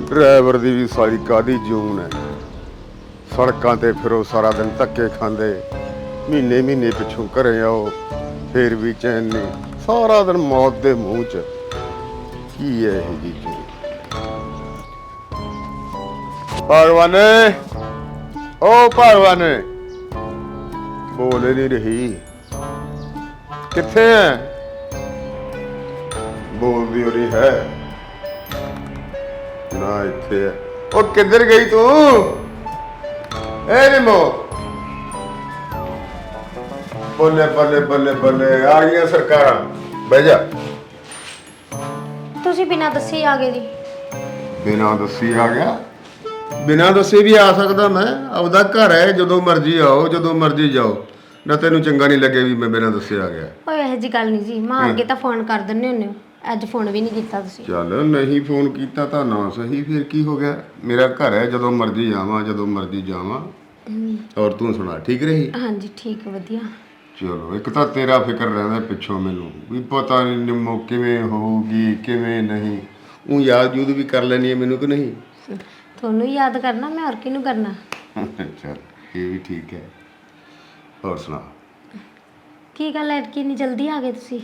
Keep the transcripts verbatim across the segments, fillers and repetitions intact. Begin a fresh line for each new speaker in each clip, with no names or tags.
Driver दी भी सारी कादी जून है। सड़कों ते फिरो सारा दिन धक्के खांदे, महीने महीने पिछों घरे आओ फिर भी चैन नहीं, सारा दिन मौत दे मूँह च। की है यह जी जून? भगवाने, ओ भगवाने, बोल ही नहीं रही, किथे है? बोल दी हो रही है ना, इत्थे है। ओ किधर गई तू? ए निमो, बल्ले बल्ले बल्ले बल्ले आ गई सरकार। बह जा।
ਤੁਸੀਂ ਬਿਨਾਂ ਦੱਸੇ ਹੀ ਆ ਗਏ ਜੀ।
बिना दसी आ गया? बिना दसे भी आ सकदा मैं, आपदा घर है, जदों मर्जी आओ जदों मर्जी जाओ। ना तेनू चंगा नहीं लगे भी मैं बिना दसे आ गया?
ਓਏ ਇਹ ਜੀ ਗੱਲ ਨਹੀਂ ਜੀ, ਮਾਂ ਅੱਗੇ ਤਾਂ ਫੋਨ ਕਰ ਦਿੰਦੇ ਹੁੰਦੇ ਹੋ, ਅੱਜ ਫੋਨ ਵੀ ਨਹੀਂ ਕੀਤਾ ਤੁਸੀਂ।
ਚੱਲ ਨਹੀਂ ਫੋਨ ਕੀਤਾ ਤਾਂ ਨਾ ਸਹੀ, ਫਿਰ ਕੀ ਹੋ ਗਿਆ? ਮੇਰਾ ਘਰ ਹੈ, ਜਦੋਂ ਮਰਜ਼ੀ ਆਵਾਂ ਜਦੋਂ ਮਰਜ਼ੀ ਜਾਵਾਂ। ਔਰ ਤੂੰ ਸੁਣਾ, ਠੀਕ ਰਹੀ?
ਹਾਂਜੀ ਠੀਕ ਵਧੀਆ।
ਚਲੋ, ਇੱਕ ਤਾਂ ਤੇਰਾ ਫਿਕਰ ਰਹਿੰਦਾ ਪਿੱਛੋਂ ਮੈਨੂੰ ਵੀ ਪਤਾ ਨਹੀਂ ਨਿੰਮੋ ਕਿਵੇਂ ਹੋਊਗੀ ਕਿਵੇਂ ਨਹੀਂ। ਉਹ ਯਾਦ ਯੂਦ ਵੀ ਕਰ ਲੈਣੀ ਹੈ ਮੈਨੂੰ ਕਿ ਨਹੀਂ?
ਤੁਹਾਨੂੰ ਹੀ ਯਾਦ ਕਰਨਾ, ਮੈਂ ਹੋਰ ਕਿਹਨੂੰ ਕਰਨਾ।
ਚੱਲ ਇਹ ਵੀ ਠੀਕ ਹੈ। ਹੋਰ ਸੁਣਾ,
ਕੀ ਗੱਲ ਹੈ ਕਿ ਇੰਨੀ ਜਲਦੀ ਆ ਗਏ ਤੁਸੀਂ?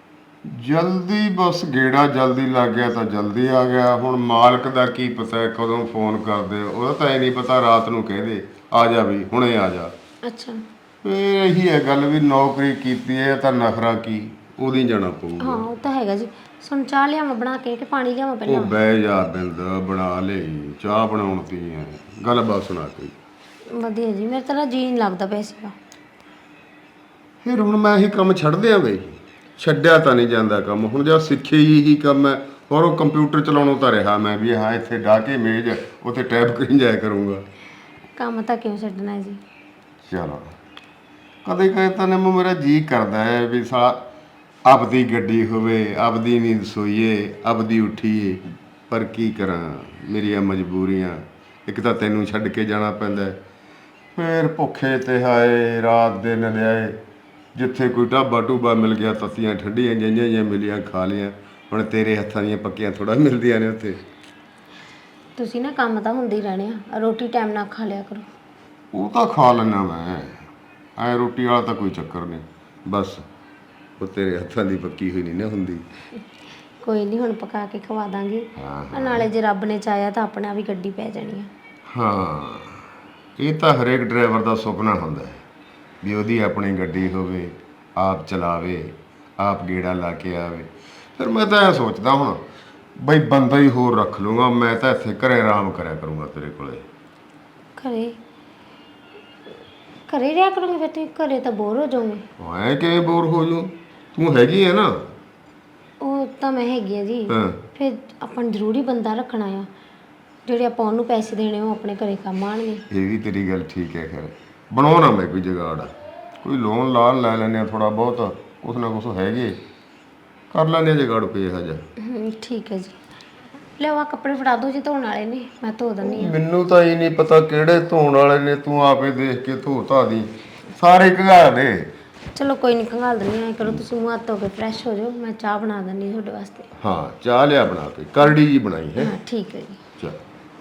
ਜਲਦੀ ਬਸ ਗੇੜਾ ਜਲਦੀ ਲੱਗ ਗਿਆ ਤਾਂ ਜਲਦੀ ਆ ਗਿਆ। ਹੁਣ ਮਾਲਕ ਦਾ ਕੀ ਪਤਾ ਕਦੋਂ ਫੋਨ ਕਰਦੇ, ਉਹਦਾ ਤਾਂ ਇਹ ਨਹੀਂ ਪਤਾ ਰਾਤ ਨੂੰ ਕਹਿੰਦੇ ਆ ਜਾ ਵੀ ਹੁਣੇ ਆ ਜਾ।
ਅੱਛਾ,
ਇਹ ਇਹੀ ਹੈ ਗੱਲ ਵੀ ਨੌਕਰੀ ਕੀਤੀ ਹੈ ਤਾਂ ਨਖਰਾ ਕੀ, ਉਹਦੀ ਜਾਣਾ ਪਊਗਾ।
ਹਾਂ ਉਹ ਤਾਂ ਹੈਗਾ ਜੀ। ਸੁਣ ਚਾਹ ਲਿਆਵਾਂ ਬਣਾ ਕੇ ਕਿ ਪਾਣੀ ਲਿਆਵਾਂ
ਉਹ
ਪਹਿਲਾਂ?
ਬਹਿ ਜਾ ਬਿੰਦ, ਬਣਾ ਲਈ ਚਾਹ ਬਣਾਉਣ ਦੀ ਹੈ ਗੱਲ, ਬਾਤ ਸੁਣਾ ਕੋਈ
ਵਧੀਆ ਜੀ, ਮੇਰੇ ਤਾਂ ਨਾ ਜੀ ਨਹੀਂ ਲੱਗਦਾ ਪਿਆ ਸੀਗਾ।
ਫਿਰ ਹੁਣ ਮੈਂ ਇਹ ਕੰਮ ਛੱਡ ਦਿਆਂ ਬਈ? ਛੱਡਿਆ ਤਾਂ ਨਹੀਂ ਜਾਂਦਾ ਕੰਮ, ਹੁਣ ਜਦ ਸਿੱਖੇ ਹੀ ਹੀ ਕੰਮ ਹੈ। ਹੋਰ ਉਹ ਕੰਪਿਊਟਰ ਚਲਾਉਣੋਂ ਤਾਂ ਰਿਹਾ ਮੈਂ ਵੀ, ਹਾਂ ਇੱਥੇ ਡਾਹ ਕੇ ਮੇਜ਼ ਉੱਥੇ ਟਾਈਪ ਕਰੀ ਜਾਇਆ ਕਰੂੰਗਾ।
ਕੰਮ ਤਾਂ ਕਿਉਂ ਛੱਡਣਾ ਹੈ ਜੀ?
ਚਲੋ ਕਦੇ ਕਦੇ ਤਾਂ ਨਿੰਮੋ ਮੇਰਾ ਜੀ ਕਰਦਾ ਹੈ ਵੀ ਸਾਲਾ ਆਪਦੀ ਗੱਡੀ ਹੋਵੇ, ਆਪਦੀ ਨੀਂਦ ਸੋਈਏ, ਆਪਦੀ ਉੱਠੀਏ, ਪਰ ਕੀ ਕਰਾਂ ਮੇਰੀਆਂ ਮਜਬੂਰੀਆਂ। ਇੱਕ ਤਾਂ ਤੈਨੂੰ ਛੱਡ ਕੇ ਜਾਣਾ ਪੈਂਦਾ, ਫਿਰ ਭੁੱਖੇ ਤੇ ਹਾਏ ਰਾਤ ਦੇ ਨਲਿਆਏ, ਜਿੱਥੇ ਕੋਈ ਢਾਬਾ ਢੂਬਾ ਮਿਲ ਗਿਆ ਤੱਤੀਆਂ ਠੰਡੀਆਂ ਜਿਹੀਆਂ ਜਿਹੀਆਂ ਮਿਲੀਆਂ ਖਾ ਲਈਆਂ। ਹੁਣ ਤੇਰੇ ਹੱਥਾਂ ਦੀਆਂ ਪੱਕੀਆਂ ਥੋੜ੍ਹਾ ਮਿਲਦੀਆਂ ਨੇ ਉੱਥੇ।
ਤੁਸੀਂ ਨਾ ਕੰਮ ਤਾਂ ਹੁੰਦੇ ਹੀ ਰਹਿਣੇ ਆ, ਰੋਟੀ ਟਾਈਮ ਨਾਲ ਖਾ ਲਿਆ ਕਰੋ।
ਉਹ ਤਾਂ ਖਾ ਲੈਣਾ ਮੈਂ, ਐ ਰੋਟੀ ਵਾਲਾ ਤਾਂ ਕੋਈ ਚੱਕਰ ਨਹੀਂ, ਬਸ ਉਹ ਤੇਰੇ ਹੱਥਾਂ ਦੀ ਪੱਕੀ ਹੋਈ ਨਹੀਂ ਨਾ ਹੁੰਦੀ।
ਕੋਈ ਨਹੀਂ, ਹੁਣ ਪਕਾ ਕੇ ਖਵਾ ਦਾਂਗੇ।
ਹਾਂ
ਨਾਲੇ ਜੇ ਰੱਬ ਨੇ ਚਾਹਿਆ ਤਾਂ ਆਪਣੇ ਆਪ ਹੀ ਗੱਡੀ ਪੈ ਜਾਣੀ ਆ।
ਹਾਂ, ਇਹ ਤਾਂ ਹਰੇਕ ਡਰਾਈਵਰ ਦਾ ਸੁਪਨਾ ਹੁੰਦਾ ਹੈ ਵੀ ਉਹਦੀ ਆਪਣੀ ਗੱਡੀ ਹੋਵੇ, ਆਪ ਚਲਾਵੇ, ਆਪ ਗੇੜਾ ਲਾ ਕੇ ਆਵੇ। ਫਿਰ ਮੈਂ ਤਾਂ ਇਹ ਸੋਚਦਾ ਹੁਣ ਬਈ ਬੰਦਾ ਹੀ ਹੋਰ ਰੱਖ ਲੂੰਗਾ, ਮੈਂ ਤਾਂ ਇੱਥੇ ਘਰੇ ਆਰਾਮ ਕਰਿਆ ਕਰੂੰਗਾ ਤੇਰੇ ਕੋਲੇ।
ਘਰੇ ਘਰੇ ਰਿਹਾ ਕਰੋਗੇ ਫਿਰ ਤੁਸੀਂ? ਘਰੇ ਤਾਂ ਬੋਰ ਹੋ ਜਾਓਗੇ।
ਐਂ ਕਿਵੇਂ ਬੋਰ ਹੋ ਜੂ? ਤੂੰ ਹੈਗੀ ਹੈ ਨਾ।
ਉਹ ਤਾਂ ਮੈਂ ਹੈਗੀ ਆ ਜੀ,
ਹਾਂ
ਫਿਰ ਆਪਾਂ ਨੂੰ ਜ਼ਰੂਰੀ ਬੰਦਾ ਰੱਖਣਾ ਆ, ਜਿਹੜੇ ਆਪਾਂ ਉਹਨੂੰ ਪੈਸੇ ਦੇਣੇ ਉਹ ਆਪਣੇ ਘਰੇ ਕੰਮ ਆਉਣਗੇ।
ਇਹ ਵੀ ਤੇਰੀ ਗੱਲ ਠੀਕ ਹੈ। ਖੈਰ ਬਣਾਉਣਾ ਮੈਂ ਕੋਈ ਜੁਗਾੜ, ਕੋਈ ਲੋਨ ਲਾਨ ਲੈ ਲੈਂਦੇ ਹਾਂ ਥੋੜ੍ਹਾ ਬਹੁਤ, ਕੁਛ ਨਾ ਕੁਛ ਹੈਗੇ ਕਰ ਲੈਂਦੇ ਹਾਂ ਜੁਗਾੜ ਕੋਈ ਇਹੋ ਜਿਹਾ।
ਹਮ, ਠੀਕ ਹੈ ਜੀ। ਲਿਆਓ ਆਹ ਕੱਪੜੇ ਫੜਾ ਦਿਓ ਜੀ, ਧੋਣ ਵਾਲੇ ਨੇ, ਮੈਂ ਧੋ ਦਿੰਦੀ ਹਾਂ।
ਮੈਨੂੰ ਤਾਂ ਇਹ ਨਹੀਂ ਪਤਾ ਕਿਹੜੇ ਧੋਣ ਵਾਲੇ ਨੇ, ਤੂੰ ਆਪੇ ਦੇਖ ਕੇ ਧੋ ਧਾ ਦੀ, ਸਾਰੇ ਘਗਾ ਦੇ।
ਚਲੋ ਕੋਈ ਨਹੀਂ, ਖੰਗਾਲ ਦਿੰਦੀ ਹਾਂ। ਕਰੋ ਤੁਸੀਂ ਮੂੰਹ ਹੱਥ ਧੋ ਕੇ ਫਰੈਸ਼ ਹੋ ਜਾਓ, ਮੈਂ ਚਾਹ ਬਣਾ ਦਿੰਦੀ ਤੁਹਾਡੇ ਵਾਸਤੇ।
ਹਾਂ ਚਾਹ ਲਿਆ ਬਣਾ ਕੇ, ਕਰੜੀ ਜੀ ਬਣਾਈ ਹੈ।
ਹਾਂ ਠੀਕ ਹੈ ਜੀ।
ਚਲ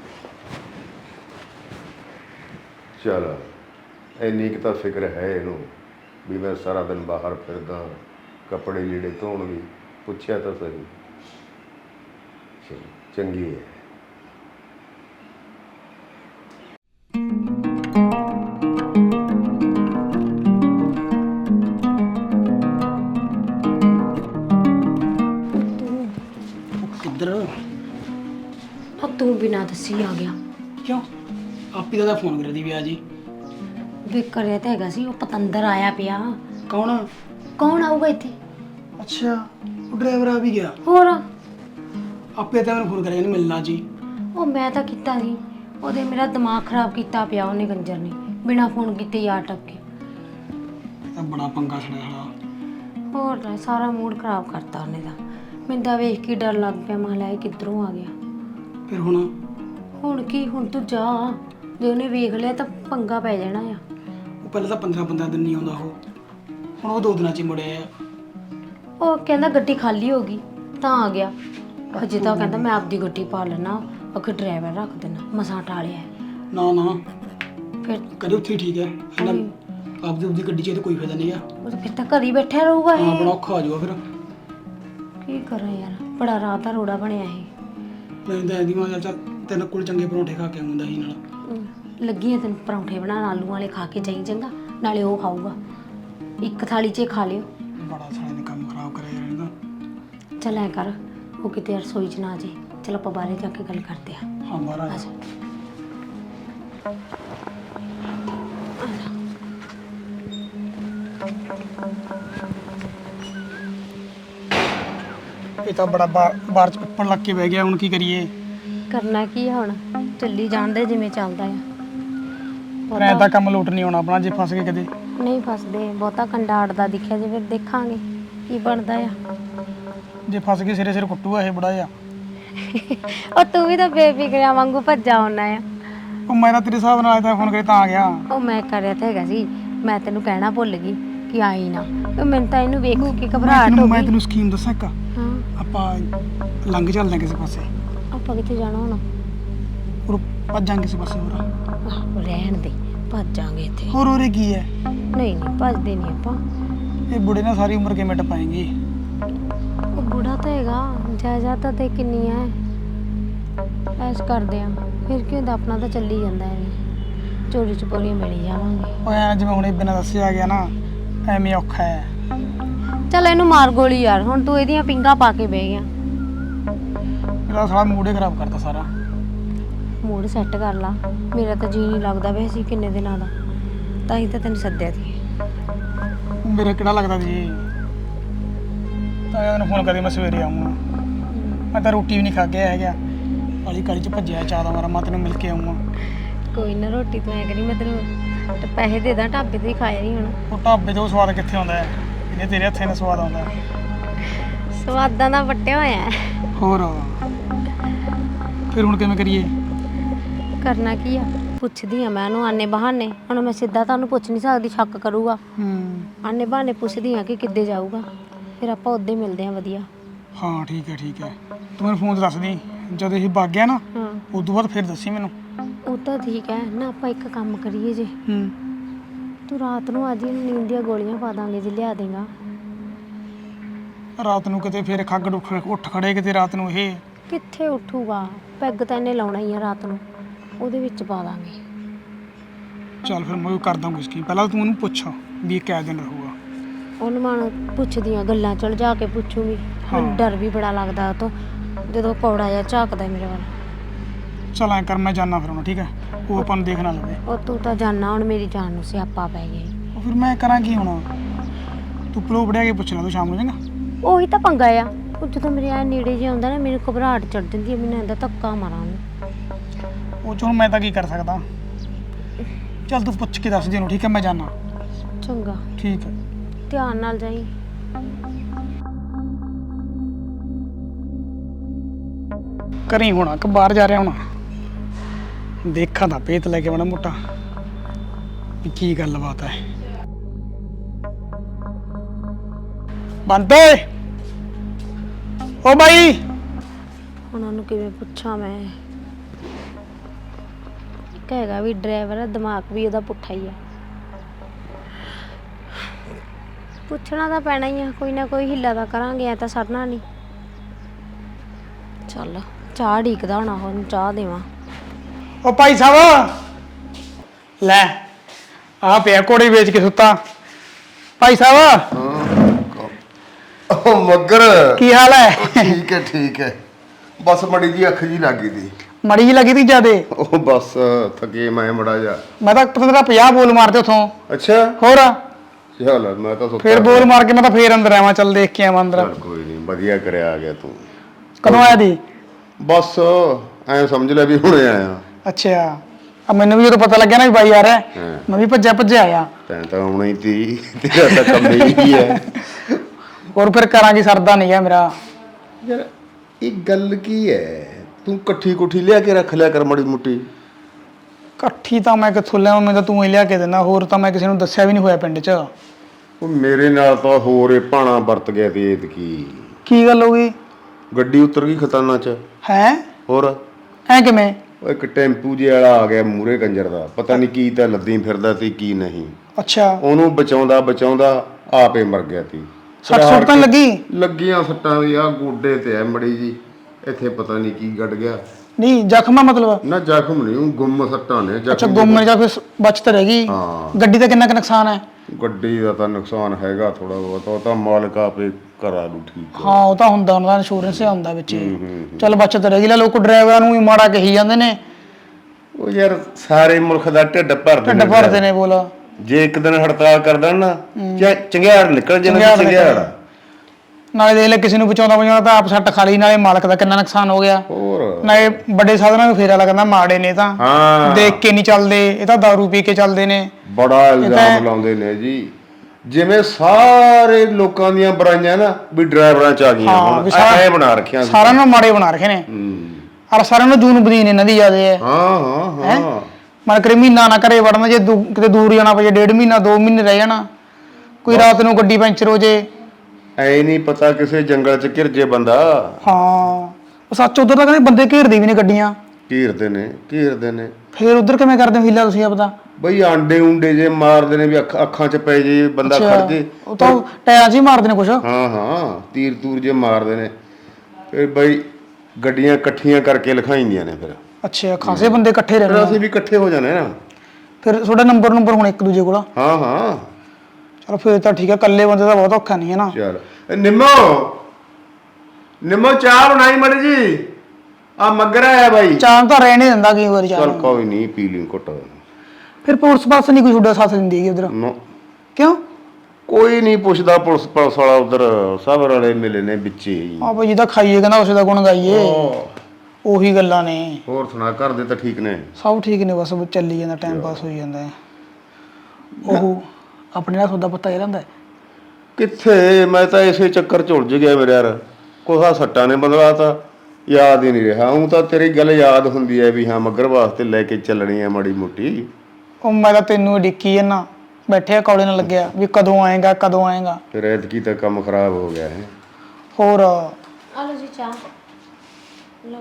ਚਲ ਇੰਨੀ ਕੁ ਤਾਂ ਫਿਕਰ ਹੈ ਇਹਨੂੰ ਵੀ ਮੈਂ ਸਾਰਾ ਦਿਨ ਬਾਹਰ ਫਿਰਦਾ, ਕੱਪੜੇ ਲੀੜੇ ਧੋਣ ਵੀ ਪੁੱਛਿਆ ਤਾਂ ਸਹੀ। ਚਲ ਚੰਗੀ ਹੈ।
ਕਿੱਧਰ?
ਆ ਤੂੰ ਬਿਨਾਂ ਦੱਸੀ ਆ ਗਿਆ।
ਕਿਉਂ? ਆਪੀ ਦਾ ਫੋਨ ਕਰਦੀ ਵੀ ਆ ਜੀ।
ਵੇ ਕਰਿਆ ਤਾਂ ਹੈਗਾ ਸੀ, ਉਹ ਪਤੰਦਰ ਆਇਆ ਪਿਆ।
ਕੌਣ?
ਕੌਣ ਆਊਗਾ ਇੱਥੇ?
ਅੱਛਾ, ਉਹ ਡਰਾਈਵਰ ਆ ਵੀ ਗਿਆ।
ਹੋਰ
ਆਪੇ ਤਾਂ ਮੈਨੂੰ ਫੋਨ ਕਰਿਆ ਨਹੀਂ ਮਿਲਣਾ ਜੀ।
ਉਹ ਮੈਂ ਤਾਂ ਕੀਤਾ ਸੀ, ਉਹਦੇ ਮੇਰਾ ਦਿਮਾਗ ਖਰਾਬ ਕੀਤਾ ਪਿਆ ਉਹਨੇ ਕੰਜਰ ਨੇ, ਬਿਨਾਂ ਫੋਨ ਕੀਤੇ ਯਾਰ ਟੱਪ ਕੇ।
ਤਾਂ ਬੜਾ ਪੰਗਾ ਛੜਿਆ ਖੜਾ।
ਹੋਰ ਨਾ ਸਾਰਾ ਮੂਡ ਖਰਾਬ ਕਰਤਾ ਉਹਨੇ ਤਾਂ। ਮੈਨੂੰ ਤਾਂ ਵੇਖ ਕੇ ਡਰ ਲੱਗ ਪਿਆ, ਮੈਂ ਲੈ ਕਿੱਧਰੋਂ ਆ ਗਿਆ।
ਫਿਰ ਹੁਣ?
ਹੁਣ ਕੀ, ਹੁਣ ਤੂੰ ਜਾ, ਜੇ ਉਹਨੇ ਵੇਖ ਲਿਆ ਤਾਂ ਪੰਗਾ ਪੈ ਜਾਣਾ ਆ।
ਉਹ ਪਹਿਲਾਂ ਤਾਂ ਪੰਦਰਾਂ ਪੰਦਰਾਂ ਦਿਨ ਨਹੀਂ ਆਉਂਦਾ ਉਹ, ਹੁਣ ਉਹ ਦੋ ਦਿਨਾਂ 'ਚ ਹੀ ਮੁੜਿਆ ਆ।
ਉਹ ਕਹਿੰਦਾ ਗੱਡੀ ਖਾਲੀ ਹੋ ਗਈ ਤਾਂ ਆ ਗਿਆ। ਹਜੇ ਤਾਂ ਕਹਿੰਦਾ ਮੈਂ ਆਪਦੀ ਗੱਡੀ ਪਾ ਲੈਣਾ, ਅਖੇ ਡਰਾਈਵਰ ਰੱਖ ਦੇਣਾ ਮਸਾਂ ਟਾਲਿਆ
ਨਾ ਨਾ
ਫਿਰ
ਕਦੇ ਉੱਥੇ ਹੀ ਠੀਕ ਹੈ ਇਹਨਾਂ ਆਪਦੀ ਆਪਦੀ ਗੱਡੀ 'ਚ ਤਾਂ ਕੋਈ ਫਾਇਦਾ ਨਹੀਂ ਆ
ਉਹ ਤਾਂ ਫਿਰ ਤਾਂ ਘਰ ਹੀ ਬੈਠਾ ਰਹੂਗਾ
ਹਾਂ
ਇਹ
ਬੜਾ ਔਖਾ ਹੋ ਜਾਊਗਾ ਫਿਰ
ਕੀ ਕਰਾਂ ਯਾਰ ਬੜਾ ਰਾਤ ਦਾ ਰੋੜਾ ਬਣਿਆ ਇਹ
ਮੈਂ ਤਾਂ ਇਹਦੀ ਮਾਂ ਚੱਲ ਤੈਨੂੰ ਕੋਲ ਚੰਗੇ ਪਰੌਂਠੇ ਖਾ ਕੇ ਆਉਂਦਾ ਸੀ ਨਾਲ
ਹਮ, ਲੱਗੀ ਆ ਤੈਨੂੰ ਪਰੌਂਠੇ ਬਣਾਉਣ ਆਲੂ ਵਾਲੇ ਖਾ ਕੇ ਜਾਈ ਚੰਗਾ ਨਾਲੇ ਉਹ ਖਾਊਗਾ ਇੱਕ ਥਾਲੀ 'ਚ ਹੀ ਖਾ ਲਿਓ
ਬੜਾ ਸਾਲੇ ਨੇ ਕੰਮ ਖਰਾਬ ਕਰਿਆ ਯਾਰ ਇਹਦਾ
ਚੱਲ ਐ ਕਰ ਉਹ ਕਿਤੇ ਰਸੋਈ 'ਚ ਨਾ ਜੇ ਚਲ ਆਪਾਂ ਬਾਹਰੇ ਜਾ ਕੇ ਗੱਲ ਕਰਦੇ ਆ
ਹਾਂ ਬਾਹਰ ਆ ਜਾ।
ਅੱਛਾ
ਇਹ ਤਾਂ ਬੜਾ ਬਾਹਰ ਬਾਹਰ 'ਚ ਪਿੱਪਲ ਲੱਗ ਕੇ ਬਹਿ ਗਿਆ ਹੁਣ ਕੀ ਕਰੀਏ
ਕਰਨਾ ਕੀ ਆ ਹੁਣ ਚੱਲੀ ਜਾਣਦੇ ਜਿਵੇਂ ਚੱਲਦਾ ਆ
ਪਰ ਐ ਤਾਂ ਕੰਮ ਲੋਟ ਨਹੀਂ ਆਉਣਾ ਆਪਣਾ ਜੇ ਫਸ ਗਏ ਕਦੇ
ਨਹੀਂ ਫਸਦੇ ਬਹੁਤਾ ਕੰਡਾ ਅੜਦਾ ਦਿਖਿਆ ਜੇ ਫਿਰ ਦੇਖਾਂਗੇ ਕੀ ਬਣਦਾ ਆ
ਜੇ ਫਸ ਗਏ ਸਿਰੇ ਸਿਰ ਕੁੱਟੂਗਾ ਇਹ ਬੜਾ ਆ
ਉਹ ਤੂੰ ਵੀ ਤਾਂ ਬੇਫਿਕਰਿਆ ਵਾਂਗੂ ਭੱਜਾ ਆਉਣਾ ਆ
ਉਹ ਮੈਂ ਤਾਂ ਤੇਰੇ ਹਿਸਾਬ ਨਾਲ ਤਾਂ ਫੋਨ ਕਰੇ ਤਾਂ ਆ ਗਿਆ
ਉਹ ਮੈਂ ਕਰਿਆ ਤਾਂ ਹੈਗਾ ਸੀ ਮੈਂ ਤੈਨੂੰ ਕਹਿਣਾ ਭੁੱਲ ਗਈ ਕਿ ਆਈ ਨਾ ਉਹ ਮੈਨੂੰ ਤਾਂ ਇਹਨੂੰ ਵੇਖ ਕੇ ਘਬਰਾਹਟ ਹੋ
ਤੈਨੂੰ ਮੈਂ
ਗਈ
ਤੈਨੂੰ ਸਕੀਮ ਦੱਸਾਂ ਇੱਕ
ਹਾਂ
ਆਪਾਂ ਲੰਘ ਚੱਲਦੇ ਹਾਂ ਕਿਸੇ ਪਾਸੇ
ਆਪਾਂ ਕਿੱਥੇ ਜਾਣਾ ਹੁਣ
ਹੋਰ ਭੱਜ ਜਾਂਗੇ ਕਿਸੇ ਪਾਸੇ ਹੋਰ
ਆਹ, ਰਹਿਣ ਦੇ ਭੱਜਾਂਗੇ ਇੱਥੇ
ਹੋਰ ਉਰੇ ਕੀ ਹੈ
ਨਹੀਂ ਨਹੀਂ ਭੱਜਦੇ ਨਹੀਂ ਆਪਾਂ
ਇਹ ਬੁੜੇ ਨਾਲ ਸਾਰੀ ਉਮਰ ਕਿਵੇਂ ਟਪਾਏਂਗੇ
ਉਹ ਬੁੜਾ ਤਾਂ ਹੈਗਾ ਜਾਇਦਾਦ ਤਾਂ ਤੇ ਕਿੰਨੀ ਐ ਐਸ ਕਰਦੇ ਆ ਫਿਰ ਕੀ ਹੁੰਦਾ ਆਪਣਾ ਤਾਂ ਚੱਲੀ ਜਾਂਦਾ ਐ ਚੋਰੀ ਚਪੋਰੀਆਂ ਮਿਲੀ ਜਾਵਾਂਗੇ
ਉਹ ਐਂ ਜਿਵੇਂ ਹੁਣ ਇਹ ਬਿਨਾਂ ਦੱਸਿਆ ਗਿਆ ਨਾ ਐਵੇਂ ਔਖਾ ਹੈ
ਚੱਲ ਇਹਨੂੰ ਮਾਰ ਗੋਲੀ ਯਾਰ ਹੁਣ ਤੂੰ ਇਹਦੀਆਂ ਪਿੰਗਾ ਪਾ ਕੇ ਬਹਿ ਗਿਆ
ਮੇਰਾ ਸਾਰਾ ਮੂਡ ਹੀ ਖਰਾਬ ਕਰਤਾ ਸਾਰਾ
ਮੂਡ ਸੈੱਟ ਕਰ ਲਾ ਮੇਰਾ ਤਾਂ ਜੀ ਨਹੀਂ ਲੱਗਦਾ ਵੈਸੇ ਸੀ ਕਿੰਨੇ ਦਿਨਾਂ ਦਾ ਤਾਂ ਹੀ ਤਾਂ ਤੈਨੂੰ ਸੱਦਿਆ ਸੀ
ਮੇਰਾ ਕਿਹੜਾ ਲੱਗਦਾ ਜੀ ਤਾਂ ਇਹਨੂੰ ਫੋਨ ਕਰੀ ਮੈਂ ਸਵੇਰੇ ਆਉਂਗਾ ਮੈਂ ਤਾਂ ਰੋਟੀ ਵੀ ਨਹੀਂ ਖਾ ਕੇ ਆਇਆ ਹੈਗਾ ਕਾਲੀ ਕਾਲੀ ਚ ਭੱਜਿਆ ਚਾਹ ਦਾ ਮਾਰਾ ਮੈਂ ਤੈਨੂੰ ਮਿਲ ਕੇ ਆਉਂਗਾ
ਕੋਈ ਨਾ ਰੋਟੀ ਤੂੰ ਐ ਕਰੀ ਮੈਂ ਤੈਨੂੰ ਤੇ ਪੈਸੇ ਦੇ ਦਾਂ ਢਾਬੇ ਤੇ ਹੀ ਖਾਇਆ ਨਹੀਂ ਹੁਣ
ਉਹ ਢਾਬੇ ਤੋਂ ਸਵਾਦ ਕਿੱਥੇ ਆਉਂਦਾ ਹੈ ਇਹਨੇ ਤੇਰੇ ਹੱਥੇ ਨਾਲ ਸਵਾਦ ਆਉਂਦਾ
ਸਵਾਦਾਂ ਦਾ ਵੱਟਿਆ ਹੋਇਆ ਹੈ।
ਹੋਰ ਫਿਰ ਹੁਣ ਕਿਵੇਂ ਕਰੀਏ
ਕਰਨਾ ਕੀ ਆ ਪੁੱਛਦੀ ਆ ਮੈਂ ਉਹਨੂੰ ਆਨੇ ਬਹਾਨੇ ਹੁਣ ਮੈਂ ਸਿੱਧਾ ਤੁਹਾਨੂੰ ਪੁੱਛ ਨਹੀਂ ਸਕਦੀ ਸ਼ੱਕ ਕਰੂਗਾ
ਹੂੰ
ਆਨੇ ਬਹਾਨੇ ਪੁੱਛਦੀ ਆ ਕਿ ਕਿੱਦੇ ਜਾਊਗਾ ਫਿਰ ਆਪਾਂ ਉੱਦੇ ਮਿਲਦੇ ਆ ਵਧੀਆ
ਹਾਂ ਠੀਕ ਹੈ ਠੀਕ ਹੈ ਤੂੰ ਮੈਨੂੰ ਫੋਨ ਤੇ ਦੱਸ ਦੀ ਜਦ ਇਹ ਵਗ ਗਿਆ ਨਾ
ਹਾਂ
ਉਸ ਤੋਂ ਬਾਅਦ ਫਿਰ ਦੱਸੀ ਮੈਨੂੰ
ਉਹ ਤਾਂ ਠੀਕ ਹੈ ਨਾ ਆਪਾਂ ਇੱਕ ਕੰਮ ਕਰੀਏ ਜੇ
ਹੂੰ
ਤੂੰ ਰਾਤ ਨੂੰ ਅੱਜ ਹੀ ਨੀਂਦ ਦੀਆਂ ਗੋਲੀਆਂ ਪਾ ਦਾਂਗੇ ਜੇ ਲਿਆ ਦੇਗਾ
ਰਾਤ ਨੂੰ ਕਿਤੇ ਫਿਰ ਖੱਗ ਉੱਠ ਉੱਠ ਖੜੇ ਕਿਤੇ ਰਾਤ ਨੂੰ ਇਹ
ਕਿੱਥੇ ਉੱਠੂਗਾ ਪੈਗ ਤਾਂ ਇਹਨੇ ਲਾਉਣਾ ਹੀ ਆ ਰਾਤ ਨੂੰ ਉਹਦੇ ਵਿੱਚ ਪਾ ਦਾਂਗੇ
ਚੱਲ ਫਿਰ ਮੈਂ ਉਹ ਕਰਦਾ ਕੁਛ ਕੀ ਪਹਿਲਾਂ ਤੂੰ ਉਹਨੂੰ ਪੁੱਛ ਵੀ ਇਹ ਕਿਆ ਦਿਨ ਰਹੂਗਾ
ਉਹਨੂੰ ਮਾਣ ਪੁੱਛਦੀਆਂ ਗੱਲਾਂ ਚਲ ਜਾ ਕੇ ਪੁੱਛੂਗੀ ਮੈਨੂੰ ਡਰ ਵੀ ਬੜਾ ਲੱਗਦਾ ਉਹ ਤੋਂ ਜਦੋਂ ਕੌੜਾ ਜਿਹਾ ਝਾਕਦਾ ਮੇਰੇ ਵੱਲ
ਚੱਲ ਐਂ ਕਰ ਮੈਂ ਜਾਣਾ ਫਿਰ ਹੁਣ ਠੀਕ ਹੈ ਉਹ ਆਪਾਂ ਨੂੰ ਦੇਖ ਨਾ ਲਵੇ
ਉਹ ਤੂੰ ਤਾਂ ਜਾਣਾ ਹੁਣ ਮੇਰੀ ਜਾਨ ਨੂੰ ਸਿਆਪਾ ਪੈ ਗਿਆ
ਉਹ ਫਿਰ ਮੈਂ ਕਰਾਂ ਕੀ ਹੁਣ ਤੂੰ ਪਲੋ ਵੜਿਆ ਕੇ ਪੁੱਛ ਲੈ ਤੂੰ ਸ਼ਾਮ ਨੂੰ ਚੰਗਾ
ਉਹੀ ਤਾਂ ਪੰਗਾ ਆ ਉਹ ਜਦੋਂ ਮੇਰੇ ਆ ਨੇੜੇ ਜਿਹਾ ਆਉਂਦਾ ਨਾ ਮੈਨੂੰ ਘਬਰਾਹਟ ਚੜ ਜਾਂਦੀ ਹੈ ਮੈਨੂੰ ਆਂਦਾ ਧੱਕਾ ਮਾਰਾਂ ਉਹਨੂੰ
ਉਹ ਚ ਹੁਣ ਮੈਂ ਤਾਂ ਕੀ ਕਰ ਸਕਦਾ ਚੱਲ ਤੂੰ ਪੁੱਛ ਕੇ ਦੱਸ ਦੇ ਨੂੰ ਠੀਕ ਹੈ ਮੈਂ ਜਾਣਾ
ਚੰਗਾ
ਠੀਕ ਹੈ
ਧਿਆਨ ਨਾਲ ਜਾਈ
ਕਰੀ ਹੋਣਾ ਕਿ ਬਾਹਰ ਜਾ ਰਿਹਾ ਹੋਣਾ ਦੇਖਾਂ ਤਾਂ ਪੇਤ ਲੈ ਕੇ ਬਣਾ ਮੋਟਾ ਵੀ ਕੀ ਗੱਲਬਾਤ ਹੈ ਬੰਦ ਓਏ ਓ ਬਾਈ
ਹੁਣ ਉਹਨੂੰ ਕਿਵੇਂ ਪੁੱਛਾਂ ਮੈਂ ਕਹੇਗਾ ਵੀ ਡਰਾਈਵਰ ਆ ਦਿਮਾਗ ਵੀ ਉਹਦਾ ਪੁੱਠਾ ਹੀ ਆ ਪੁੱਛਣਾ ਤਾਂ ਪੈਣਾ ਹੀ ਆ ਕੋਈ ਨਾ ਕੋਈ ਹਿੱਲਾ ਤਾਂ ਕਰਾਂਗੇ ਐ ਤਾਂ ਸਰਨਾ ਨਹੀਂ ਚੱਲ ਚਾਹ ਢੀਕਦਾ ਹੋਣਾ ਉਹਨੂੰ ਚਾਹ ਦੇਵਾਂ
ਓ ਭਾਈ ਸਾਹਿਬ ਲੈ ਆ ਪਿਆ ਕੋੜੀ ਵੇਚ ਕੇ ਸੁੱਤਾ ਭਾਈ ਸਾਹਿਬ
ਉਹ ਮੱਗਰ
ਕੀ ਹਾਲ ਹੈ
ਠੀਕ ਹੈ ਠੀਕ ਹੈ ਬਸ ਮੜੀ ਜੀ ਅੱਖ ਜੀ ਲੱਗੀ ਤੀ
ਮੜੀ ਜੀ ਲੱਗੀ ਤੀ ਜਿਆਦੇ
ਉਹ ਬਸ ਥਕੇ ਮੈਂ ਮੜਾ ਜਾ
ਮੈਂ ਤਾਂ ਪਤਾ ਤੇਰਾ ਪੰਜਾਹ ਬੋਲ ਮਾਰਦੇ ਉਥੋਂ
ਅੱਛਾ
ਹੋਰ
ਚੱਲ ਮੈਂ ਤਾਂ ਸੁੱਤਾ
ਫੇਰ ਬੋਲ ਮਾਰ ਕੇ ਮੈਂ ਤਾਂ ਫੇਰ ਅੰਦਰ ਆਵਾਂ ਚੱਲ ਦੇਖ ਕੇ ਆਵਾਂ ਅੰਦਰ
ਚੱਲ ਕੋਈ ਨਹੀਂ ਵਧੀਆ ਕਰਿਆ ਆ ਗਿਆ ਤੂੰ
ਕਦੋਂ ਆਇਆ ਦੀ
ਬਸ ਐਂ ਸਮਝ ਲੈ ਵੀ ਹੁਣੇ ਆਇਆ
ਅੱਛਾ ਆ ਮੈਨੂੰ ਵੀ ਜਦੋਂ ਪਤਾ ਲੱਗਿਆ ਨਾ ਵੀ ਬਾਈ ਆ ਰਿਹਾ
ਹਾਂ।
ਮੈਂ ਵੀ ਭੱਜਿਆ ਭੱਜਿਆ ਆਇਆ
ਤੈਂ ਤਾਂ ਆਉਣਾ ਹੀ ਤੀ ਤੇਰਾ ਤਾਂ ਕੰਮ ਹੀ ਹੈ
ਹੋਰ ਫਿਰ ਕਰਾਂਗੀ ਸਰਦਾ ਨਹੀਂ ਗਿਆ ਮੇਰਾ
ਯਾਰ ਇਹ ਗੱਲ ਕੀ ਹੈ ਤੂੰ ਇਕੱਠੀ ਕੁੱਠੀ ਲਿਆ ਕੇ ਰੱਖ ਲਿਆ ਕਰ ਮੜੀ ਮੁੱਟੀ
ਇਕੱਠੀ ਤਾਂ ਮੈਂ ਕਿੱਥੋਂ ਲਿਆਵਾਂ ਮੈਂ ਤਾਂ ਤੂੰ ਹੀ ਲਿਆ ਕੇ ਦਿੰਦਾ ਹੋਰ ਤਾਂ ਮੈਂ ਕਿਸੇ ਨੂੰ ਦੱਸਿਆ ਵੀ ਨਹੀਂ ਹੋਇਆ ਪਿੰਡ 'ਚ
ਉਹ ਮੇਰੇ ਨਾਲ ਤਾਂ ਹੋਰ ਇਹ ਭਾਣਾ ਵਰਤ ਗਿਆ ਤੇ ਐਤਕੀ
ਕੀ ਗੱਲ ਹੋ ਗਈ
ਗੱਡੀ ਉਤਰ ਗਈ ਖਤਾਨਾਂ 'ਚ
ਹੈ
ਹੋਰ
ਐ ਕਿਵੇਂ?
ਉਹ ਇੱਕ ਟੈਂਪੂ ਜਿਹਾ ਵਾਲਾ ਆ ਗਿਆ ਮੂਰੇ ਕੰਜਰ ਦਾ, ਪਤਾ ਨਹੀਂ ਕੀ ਤਾਂ ਲੱਦੀ ਫਿਰਦਾ ਸੀ ਕੀ ਨਹੀਂ।
ਅੱਛਾ,
ਉਹਨੂੰ ਬਚਾਉਂਦਾ ਬਚਾਉਂਦਾ ਆਪੇ ਮਰ ਗਿਆ ਸੀ।
ਸੱਟ ਸੁੱਟ ਤਾਂ ਨੀ ਲੱਗੀ?
ਲੱਗੀਆਂ ਸੱਟਾਂ ਵੀ ਆ ਗੋਡੇ ਤੇ ਐ ਮੜੀ ਜੀ, ਇੱਥੇ ਪਤਾ ਨਹੀਂ ਕੀ ਗੱਡ ਗਿਆ।
ਨਹੀਂ ਜ਼ਖਮ ਆ ਮਤਲਬ?
ਨਾ ਜ਼ਖਮ ਨਹੀਂ, ਉਹ ਗੁੰਮ ਸੱਟਾਂ ਨੇ।
ਅੱਛਾ ਗੁੰਮ ਜਾਂ ਫਿਰ ਬਚਤ ਰਹਿ ਗਈ।
ਹਾਂ।
ਗੱਡੀ ਦਾ ਕਿੰਨਾ ਕੁ ਨੁਕਸਾਨ ਹੈ?
ਗੱਡੀ ਦਾ ਤਾਂ ਨੁਕਸਾਨ ਹੈਗਾ ਥੋੜਾ ਬਹੁਤ, ਉਹ ਤਾਂ ਮਾਲਕ ਆਪੇ ਕਰਾ ਲੂ ਠੀਕ।
ਹਾਂ ਉਹ ਤਾਂ ਹੁੰਦਾ, ਉਹਨਾਂ ਦਾ ਇੰਸ਼ੋਰੈਂਸ ਹੁੰਦਾ ਵਿੱਚ। ਚੱਲ ਬਚਤ ਰਹਿ ਗਈ। ਲੈ ਲੋਕ ਡਰਾਈਵਰਾਂ ਨੂੰ ਵੀ ਮਾੜਾ ਕਹੀ ਜਾਂਦੇ ਨੇ।
ਉਹ ਯਾਰ ਸਾਰੇ ਮੁਲਕ ਦਾ ਢਿੱਡ ਭਰਦੇ
ਢਿੱਡ ਭਰਦੇ ਨੇ ਬੋਲ।
ਜੇ ਇੱਕ ਦਿਨ ਹੜਤਾਲ ਕਰ ਦੇਣ ਨਾ, ਚਾਹੇ ਚੰਗਿਆੜ ਨਿਕਲ ਜੇ ਨਾ,
ਚੰਗਿਆੜ
ਚੰਗਿਆੜ।
ਨਾਲੇ ਦੇਖ ਲੈ ਕਿਸੇ ਨੂੰ ਬਚਾਉਂਦਾ ਬਚਾਉਂਦਾ ਤਾਂ ਆਪ ਸੱਟ ਖਾ ਲਈ, ਨਾਲੇ ਮਾਲਕ ਦਾ ਕਿੰਨਾ ਨੁਕਸਾਨ ਹੋ ਗਿਆ।
ਹੋਰ
ਨਾਲੇ ਵੱਡੇ ਸਾਧਨਾਂ ਨੂੰ ਫੇਰਾ ਲੱਗਦਾ ਮਾੜੇ ਨੇ ਤਾਂ
ਹਾਂ
ਦੇਖ ਕੇ ਨਹੀਂ ਚੱਲਦੇ, ਇਹ ਤਾਂ ਦਾਰੂ ਪੀ ਕੇ ਚੱਲਦੇ ਨੇ।
ਬੜਾ ਇਲਜ਼ਾਮ ਲਾਉਂਦੇ ਨੇ ਜੀ, ਜਿਵੇਂ ਸਾਰੇ ਲੋਕਾਂ ਦੀਆਂ ਬੁਰਾਈਆਂ ਨਾ ਵੀ ਡਰਾਈਵਰਾਂ ਚ ਆ ਗਈਆਂ।
ਹਾਂ,
ਹੁਣ
ਵੀ ਸਾਰਾ-
ਐ ਬਣਾ ਰੱਖਿਆ ਸੀ।
ਸਾਰਿਆਂ ਨੂੰ ਮਾੜੇ ਬਣਾ ਰੱਖੇ ਨੇ।
ਹੂੰ।
ਔਰ ਸਾਰਿਆਂ ਨੂੰ ਜੂਨ ਬਦੀਨ ਇਹਨਾਂ ਦੀ ਜ਼ਿਆਦੇ ਹੈ।
ਹਾਂ ਹਾਂ ਹਾਂ
ਮਨ ਕਰੇ ਮਹੀਨਾ ਨਾ ਘਰੇ ਵੜਨਾ, ਜੇ ਦੂ- ਕਿਤੇ ਦੂਰ ਜਾਣਾ ਪਏ, ਡੇਢ ਮਹੀਨਾ ਦੋ ਮਹੀਨੇ ਰਹਿ ਜਾਣਾ। ਕੋਈ ਰਾਤ ਨੂੰ ਗੱਡੀ ਪੈਂਚਰ ਹੋ ਜੇ,
ਐ ਨਹੀਂ ਪਤਾ ਕਿਸੇ ਜੰਗਲ ਚ ਘਿਰ ਜੇ ਬੰਦਾ।
ਹਾਂ ਉਹ ਸੱਚ ਉਧਰ ਤਾਂ ਕਹਿੰਦੇ ਬੰਦੇ ਘੇਰਦੇ ਵੀ ਨੇ ਗੱਡੀਆਂ।
ਘੇਰਦੇ ਨੇ ਘੇਰਦੇ ਨੇ।
ਫੇਰ ਉਧਰ ਕਿਵੇਂ ਕਰਦੇ ਹੋ ਹੀਲਾ ਤੁਸੀਂ ਆਪਦਾ?
ਬਈ ਆਂਡੇ ਉਂਡੇ ਜੇ ਮਾਰਦੇ ਨੇ ਵੀ ਅੱਖ- ਅੱਖਾਂ ਚ ਪੈ ਜੇ ਬੰਦਾ ਖੜ ਜੇ।
ਉਹ ਤਾਂ ਟਾਇਰਾਂ 'ਚ ਹੀ ਮਾਰਦੇ ਨੇ ਕੁਛ।
ਹਾਂ ਹਾਂ ਤੀਰ ਤੂਰ ਜੇ ਮਾਰਦੇ ਨੇ। ਫਿਰ ਬਈ ਗੱਡੀਆਂ ਇਕੱਠੀਆਂ ਕਰਕੇ ਲਿਖਾਈਆਂ ਨੇ। ਫਿਰ
ਅੱਛਾ ਖਾਸੇ ਬੰਦੇ ਇਕੱਠੇ ਰਹਿੰਦੇ
ਫਿਰ
ਨੇ।
ਅਸੀਂ ਵੀ ਇਕੱਠੇ ਹੋ ਜਾਣੇ ਨਾ।
ਫਿਰ ਤੁਹਾਡਾ ਨੰਬਰ ਨੰਬਰ ਹੁਣ ਇੱਕ ਦੂਜੇ ਕੋਲ?
ਹਾਂ ਹਾਂ
ਚਲੋ ਫਿਰ ਤਾਂ ਠੀਕ ਹੈ, ਇਕੱਲੇ ਬੰਦੇ ਦਾ ਬਹੁਤ ਔਖਾ ਨਹੀਂ ਹੈ ਨਾ।
ਚਲ ਨਿੰਮੋ ਨਿੰਮੋ ਚਾਹ ਬਣਾਈ ਮੜੀ ਜੀ, ਆ ਮਗਰਾ ਆ ਬਾਈ।
ਚਾਹ ਤਾਂ ਰਹਿ ਨਹੀਂ ਦਿੰਦਾ ਕਈ ਵਾਰੀ ਚਾਹ
ਚਲ
ਨੂੰ।
ਕੋਈ ਨਹੀਂ ਪੀ ਲਈ ਘੁੱਟ।
ਫਿਰ ਪੁਲਿਸ ਪਾਸ ਨਹੀਂ ਕੋਈ ਤੁਹਾਡਾ ਸਾਥ ਦਿੰਦੀ ਹੈਗੀ ਉਧਰ?
ਨਾ,
ਕਿਉਂ?
ਕੋਈ ਨਹੀਂ ਪੁੱਛਦਾ ਪੁਲਿਸ ਪੁਲਿਸ ਵਾਲਾ ਉਧਰ, ਸਭ ਵਾਲੇ ਮਿਲੇ ਨੇ ਵਿੱਚੇ ਹੀ।
ਆ ਭਾਈ ਜਿਹਦਾ ਖਾਈਏ ਕਹਿੰਦਾ ਉਸੇ ਦਾ ਗੁਣ ਗਾਈਏ, ਉਹੀ ਗੱਲਾਂ ਨੇ।
ਹੋਰ ਸੁਣਾ, ਘਰ ਦੇ ਤਾਂ ਠੀਕ ਨੇ?
ਸਭ ਠੀਕ ਨੇ, ਬਸ ਚੱਲੀ ਜਾਂਦਾ, ਟਾਈਮ ਪਾਸ ਹੋਈ ਜਾਂਦਾ ਹੈ। ਉਹ ਆਪਣੇ ਨਾਲ ਸੌਦਾ ਪੱਤਾ ਇਹ ਰਹਿੰਦਾ?
ਕਿੱਥੇ, ਮੈਂ ਤਾਂ ਇਸੇ ਚੱਕਰ ਚ ਉਲਝ ਗਿਆ ਮੇਰੇ ਯਾਰ। ਕੋਹਾ ਸੱਟਾਂ ਨੇ ਬਦਲਾ ਤਾਂ ਯਾਦ ਹੀ ਨਹੀਂ ਰਿਹਾ। ਉਹ ਤਾਂ ਤੇਰੀ ਗੱਲ ਯਾਦ ਹੁੰਦੀ ਹੈ ਵੀ ਹਾਂ ਮੱਗਰ ਵਾਸਤੇ ਲੈ ਕੇ ਚੱਲਣੀ ਹੈ ਮਾੜੀ ਮੋਟੀ।
ਉਹ ਮੈਂ ਤਾਂ ਤੈਨੂੰ ਡਿੱਕੀ ਜਾਂਦਾ, ਬੈਠਿਆ ਕੌਲੇ ਨਾਲ ਲੱਗਿਆ ਵੀ ਕਦੋਂ ਆਏਗਾ ਕਦੋਂ ਆਏਗਾ।
ਫਿਰ ਐਤਕੀ ਤਾਂ ਕੰਮ ਖਰਾਬ ਹੋ ਗਿਆ ਹੈ।
ਹੋਰ
ਆ ਲਓ ਜੀ ਚਾਹ ਲਓ।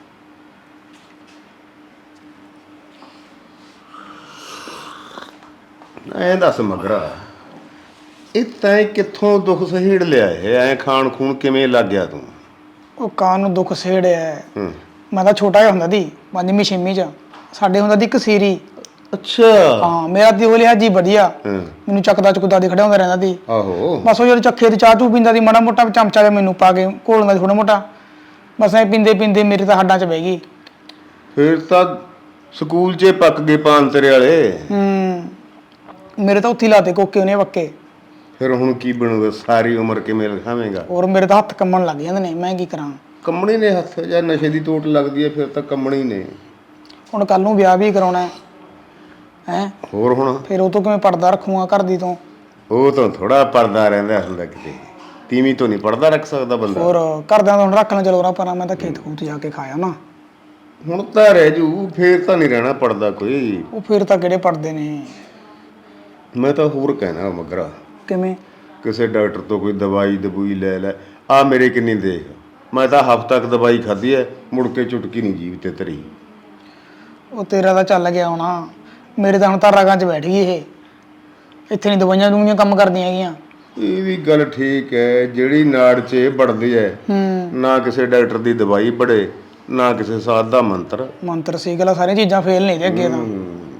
ਐਂ ਦੱਸ ਮਗਰਾ, ਇਹ ਤੈਂ ਕਿੱਥੋਂ ਦੁੱਖ ਸਹੇੜ ਲਿਆ ਹੈ? ਐਂ ਖਾਣ ਖੂਨ ਕਿਵੇਂ ਲੱਗ ਗਿਆ ਤੂੰ?
ਉਹ ਕਾਂ ਨੂੰ ਦੁੱਖ ਸੇੜਿਆ।
ਹੂੰ।
ਮੈਂ ਤਾਂ ਛੋਟਾ ਜਿਹਾ ਹੁੰਦਾ ਸੀ, ਪੰਜਵੀਂ ਛੇਵੀਂ ਚ ਸਾਡੇ ਹੁੰਦਾ ਸੀ ਇੱਕ ਸੀਰੀ।
ਅੱਛਾ।
ਹਾਂ ਮੇਰਾ ਦਿਓ ਲਿਆ ਜੀ ਵਧੀਆ,
ਹਾਂ।
ਮੈਨੂੰ ਚੱਕਦਾ ਚੁੱਕਦਾ ਦੀ ਖੜਿਆ ਹੁੰਦਾ ਰਹਿੰਦਾ ਸੀ।
ਆਹੋ।
ਬਸ ਉਹ ਜਦੋਂ ਚੱਖੇ ਤੇ ਚਾਹ ਚੂ ਪੀਂਦਾ ਸੀ, ਮਾੜਾ ਮੋਟਾ ਚਮਚਾ ਜਿਹਾ ਮੈਨੂੰ ਪਾ ਕੇ ਘੋਲਦਾ ਸੀ ਥੋੜਾ ਮੋਟਾ। ਬਸ ਐ ਪੀਂਦੇ ਪੀਂਦੇ ਮੇਰੇ ਤਾਂ ਹੱਡਾਂ 'ਚ ਬਹਿ ਗਈ।
ਫਿਰ ਤਾਂ ਸਕੂਲ 'ਚ ਪੱਕ ਗਏ ਪਾਨ ਤੇਰੇ ਵਾਲੇ।
ਹੂੰ ਮੇਰੇ ਤਾਂ ਉੱਥੇ ਹੀ ਲਾਤੇ ਕੋਕੇ ਉਹਨੇ ਪੱਕੇ।
ਫਿਰ ਹੁਣ ਕੀ ਬਣੂਗਾ? ਸਾਰੀ ਉਮਰ ਕਿਵੇਂ ਲਿਖਾਵੇਂਗਾ?
ਔਰ ਮੇਰੇ ਤਾਂ ਹੱਥ ਕੰਮਣ ਲੱਗ ਜਾਂਦੇ ਨੇ, ਮੈਂ ਕੀ ਕਰਾਂ?
ਕੰਮਣੀ ਨੇ ਹੱਥ, ਜਾਂ ਨਸ਼ੇ ਦੀ ਤੋਟ ਲੱਗਦੀ ਹੈ ਫਿਰ ਤਾਂ ਕੰਮਣੀ ਨੇ।
ਹੁਣ ਕੱਲ ਨੂੰ ਵਿਆਹ ਵੀ ਕਰਾਉਣਾ ਹੈ ਹੈ
ਹੋਰ ਹੁਣ
ਫਿਰ ਉਹ ਤੋਂ ਕਿਵੇਂ ਪਰਦਾ ਰੱਖੂਗਾ ਘਰ ਦੀ ਤੋਂ?
ਉਹ ਤਾਂ ਥੋੜਾ ਪਰਦਾ ਰਹਿੰਦਾ ਹੁੰਦਾ, ਕਿਤੇ ਤੀਵੀਂ ਤੋਂ ਨਹੀਂ ਪਰਦਾ ਰੱਖ ਸਕਦਾ ਬੰਦਾ।
ਹੋਰ ਘਰਦਿਆਂ ਤੋਂ ਹੁਣ ਰੱਖਣਾ ਚਲੋ ਰਾ ਪਰ ਮੈਂ ਤਾਂ ਖੇਤ ਖੂਤ ਜਾ ਕੇ ਖਾਇਆ ਨਾ।
ਹੁਣ ਤਾਂ ਰਹਿ ਜੂ, ਫੇਰ ਤਾਂ ਨਹੀਂ ਰਹਿਣਾ ਪੜਦਾ ਕੋਈ।
ਉਹ ਫਿਰ ਤਾਂ ਕਿਹੜੇ ਪੜਦੇ ਨੇ।
ਮੈਂ ਤਾਂ ਹੋਰ ਕਹਿਣਾ ਮਗਰਾ,
ਕਿਵੇਂ?
ਕਿਸੇ ਡਾਕਟਰ ਤੋਂ ਕੋਈ ਦਵਾਈ ਦਬੂਈ ਲੈ ਲੈ। ਆ ਮੇਰੇ ਕਿੰਨੀ ਦੇਖ, ਮੈਂ ਤਾਂ ਹਫ਼ਤਾ ਤੱਕ ਦਵਾਈ ਖਾਧੀ ਐ, ਮੁੜ ਕੇ ਚੁਟਕੀ ਨਹੀਂ ਜੀਭ ਤੇ ਧਰੀ।
ਉਹ ਤੇਰਾ ਤਾਂ ਚੱਲ ਗਿਆ ਹੋਣਾ, ਮੇਰੇ ਤਾਂ ਹੁਣ ਤਾਂ ਰਗਾਂ 'ਚ ਬੈਠ ਗਈ ਇਹ। ਇੱਥੇ ਨਹੀਂ ਦਵਾਈਆਂ ਦੂਈਆਂ ਕੰਮ ਕਰਦੀਆਂ ਹੈਗੀਆਂ।
ਇਹ ਵੀ ਗੱਲ ਠੀਕ ਹੈ, ਜਿਹੜੀ ਨਾੜ 'ਚ ਇਹ ਵੜਦੀ ਹੈ,
ਹੂੰ
ਨਾ ਕਿਸੇ ਡਾਕਟਰ ਦੀ ਦਵਾਈ ਬੜੇ, ਨਾ ਕਿਸੇ ਸਾਧ ਦਾ ਮੰਤਰ।
ਮੰਤਰ ਸੀ ਗੱਲ, ਸਾਰੀਆਂ ਚੀਜ਼ਾਂ ਫੇਲ ਨਹੀਂ ਦੇ ਅੱਗੇ ਤਾਂ।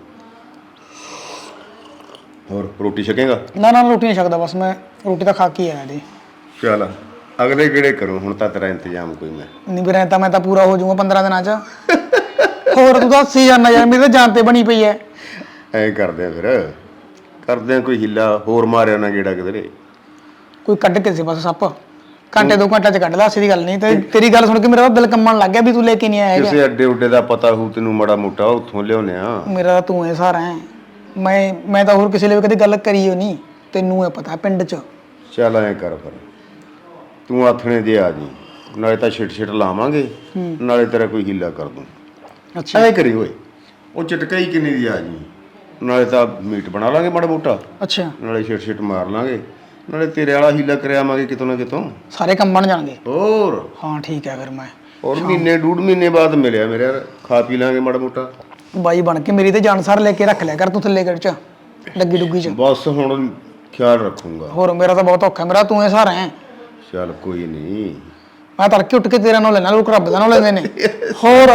ਹੋਰ ਰੋਟੀ ਛਕੇਗਾ?
ਨਾ ਨਾ ਰੋਟੀ ਨਹੀਂ ਛਕਦਾ, ਬਸ ਮੈਂ ਰੋਟੀ ਤਾਂ ਖਾ ਕੇ ਆਇਆ ਜੀ।
ਚੱਲ ਅਗਲੇ ਕਿਹੜੇ ਕਰੂੰ, ਹੁਣ ਤਾਂ ਤੇਰਾ ਇੰਤਜ਼ਾਮ ਕੋਈ ਮੈਂ
ਨਹੀਂ ਵੀਰੇ ਤਾਂ ਮੈਂ ਤਾਂ ਪੂਰਾ ਹੋ ਜਾਊਂਗਾ ਪੰਦਰਾਂ ਦਿਨਾਂ 'ਚ। ਹੋਰ ਤੂੰ ਦੱਸ ਹੀ ਜਾਨਾ ਯਾਰ, ਮੇਰੀ ਤਾਂ ਜਾਨ ਤੇ ਬਣੀ ਪਈ ਐ।
ਐਂ ਕਰਦੇ ਆ, ਫਿਰ ਕਰਦੇ ਆ ਕੋਈ ਹਿੱਲਾ ਹੋਰ, ਮਾਰਿਆ ਨਾ ਗੇੜਾ ਕਿਧਰੇ।
ਕੋਈ ਕੱਢ ਕੇ ਸੀ ਬਸ ਸੱਪ, ਘੰਟੇ ਦੋ ਘੰਟੇ 'ਚ ਕੱਢ ਲਾ, ਸਿੱਧੀ ਗੱਲ ਨਹੀਂ। ਤੇ ਤੇਰੀ ਗੱਲ ਸੁਣ ਕੇ ਮੇਰਾ ਤਾਂ ਦਿਲ ਕੰਮਣ ਲੱਗ ਗਿਆ ਵੀ ਤੂੰ ਲੈ ਕੇ ਨਹੀਂ ਆਇਆ ਹੈਗਾ।
ਕਿਸੇ ਅੱਡੇ ਉੱਡੇ ਦਾ ਪਤਾ ਹੋਊ ਤੈਨੂੰ ਮਾੜਾ ਮੋਟਾ, ਉੱਥੋਂ ਲਿਆਉਨੇ ਆ।
ਮੇਰਾ ਤਾਂ ਤੂੰ ਐ ਸਾਰਾ ਹੈ, ਮੈਂ ਮੈਂ ਤਾਂ ਹੋਰ ਕਿਸੇ ਲਈ ਕਦੇ ਗੱਲ ਕਰੀ ਹੋ ਨਹੀਂ, ਤੈਨੂੰ ਇਹ ਪਤਾ ਪਿੰਡ 'ਚ।
ਚੱਲ ਐਂ ਕਰ, ਫਿਰ ਤੂੰ ਆਥਣੇ ਦੇ ਆ ਜੀ, ਨਾਲੇ ਤਾਂ ਛਿਟ ਛਿਟ ਲਾਵਾਂਗੇ, ਨਾਲੇ ਤੇਰਾ ਕੋਈ ਹੀਲਾ ਕਰ ਦੂੰ।
ਅੱਛਾ
ਐਂ ਕਰੀ ਓਏ, ਉਹ ਚਟਕਾਈ ਕਿੰਨੀ ਦੀ ਆ ਜੀ, ਨਾਲੇ ਤਾਂ ਮੀਟ ਬਣਾ ਲਾਂਗੇ ਮਾੜਾ ਮੋਟਾ,
ਅੱਛਾ
ਨਾਲੇ ਛਿਟ ਛਿਟ ਮਾਰ ਲਾਂਗੇ, ਨਾਲੇ ਤੇਰੇ ਵਾਲਾ ਹੀਲਾ ਕਰਿਆਵਾਂਗੇ ਕਿਤੋਂ ਨਾ ਕਿਤੋਂ।
ਸਾਰੇ ਕੰਮ ਬਣ ਜਾਣਗੇ।
ਹੋਰ
ਹਾਂ ਠੀਕ ਹੈ, ਫਿਰ ਮੈਂ
ਔਰ ਮਹੀਨੇ ਡੂਢ ਮਹੀਨੇ ਬਾਅਦ ਮਿਲਿਆ ਮੇਰੇ ਯਾਰ, ਖਾ ਪੀ ਲਾਂਗੇ ਮਾੜਾ ਮੋਟਾ।
ਬਾਈ ਬਣ ਕੇ ਮੇਰੀ ਤੇ ਜਾਨਸਾਰ ਲੈ ਕੇ ਰੱਖ ਲਿਆ ਕਰ ਤੂੰ ਥੱਲੇ ਗੜ ਚ ਡੱਗੀ ਡੁੱਗੀ ਚ।
ਬਸ ਹੁਣ ਖਿਆਲ ਰੱਖੂੰਗਾ।
ਹੋਰ ਮੇਰਾ ਤਾਂ ਬਹੁਤ ਔਖਾ, ਮੇਰਾ ਤੂੰ ਇਹ ਸਹਾਰਾ ਹੈ।
ਚੱਲ ਕੋਈ ਨਹੀਂ,
ਮੈਂ ਤੜਕੇ ਉੱਠ ਕੇ ਤੇਰਾ ਨਾਮ ਲੈਣਾ, ਲੋਕ ਰੱਬ ਦਾ ਨਾਮ ਲੈਂਦੇ ਨੇ। ਹੋਰ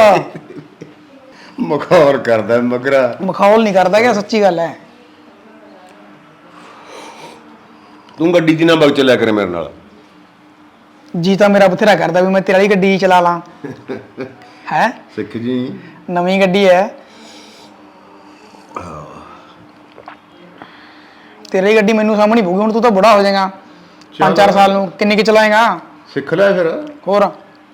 ਮਖੌਲ ਕਰਦਾ ਮਗਰਾ।
ਮਖੌਲ ਨਹੀਂ ਕਰਦਾ ਕਿ ਸੱਚੀ ਗੱਲ ਹੈ।
ਤੂੰ ਗੱਡੀ ਦੀ ਨਾ ਬਗ ਚੱਲਿਆ ਕਰੇ ਮੇਰੇ ਨਾਲ।
ਜੀ ਤਾਂ ਮੇਰਾ ਬਥੇਰਾ ਕਰਦਾ ਵੀ ਮੈਂ ਤੇਰੀ ਵਾਲੀ ਗੱਡੀ ਚਲਾ ਲਾਂ। ਹੈ
ਸਿੱਖ ਜੀ,
ਨਵੀਂ ਗੱਡੀ ਹੈ ਤੇਰੀ ਗੱਡੀ, ਮੈਨੂੰ ਸਾਹਮਣੇ ਪਊਗੀ। ਹੁਣ ਤੂੰ ਤਾਂ ਬੁੜਾ ਹੋ ਜਾਏਗਾ ਪੰਜ ਚਾਰ ਸਾਲ ਨੂੰ, ਕਿੰਨੀ ਕਿ ਚਲਾਏਗਾ?
ਸਿੱਖ ਲੈ ਫਿਰ।
ਹੋਰ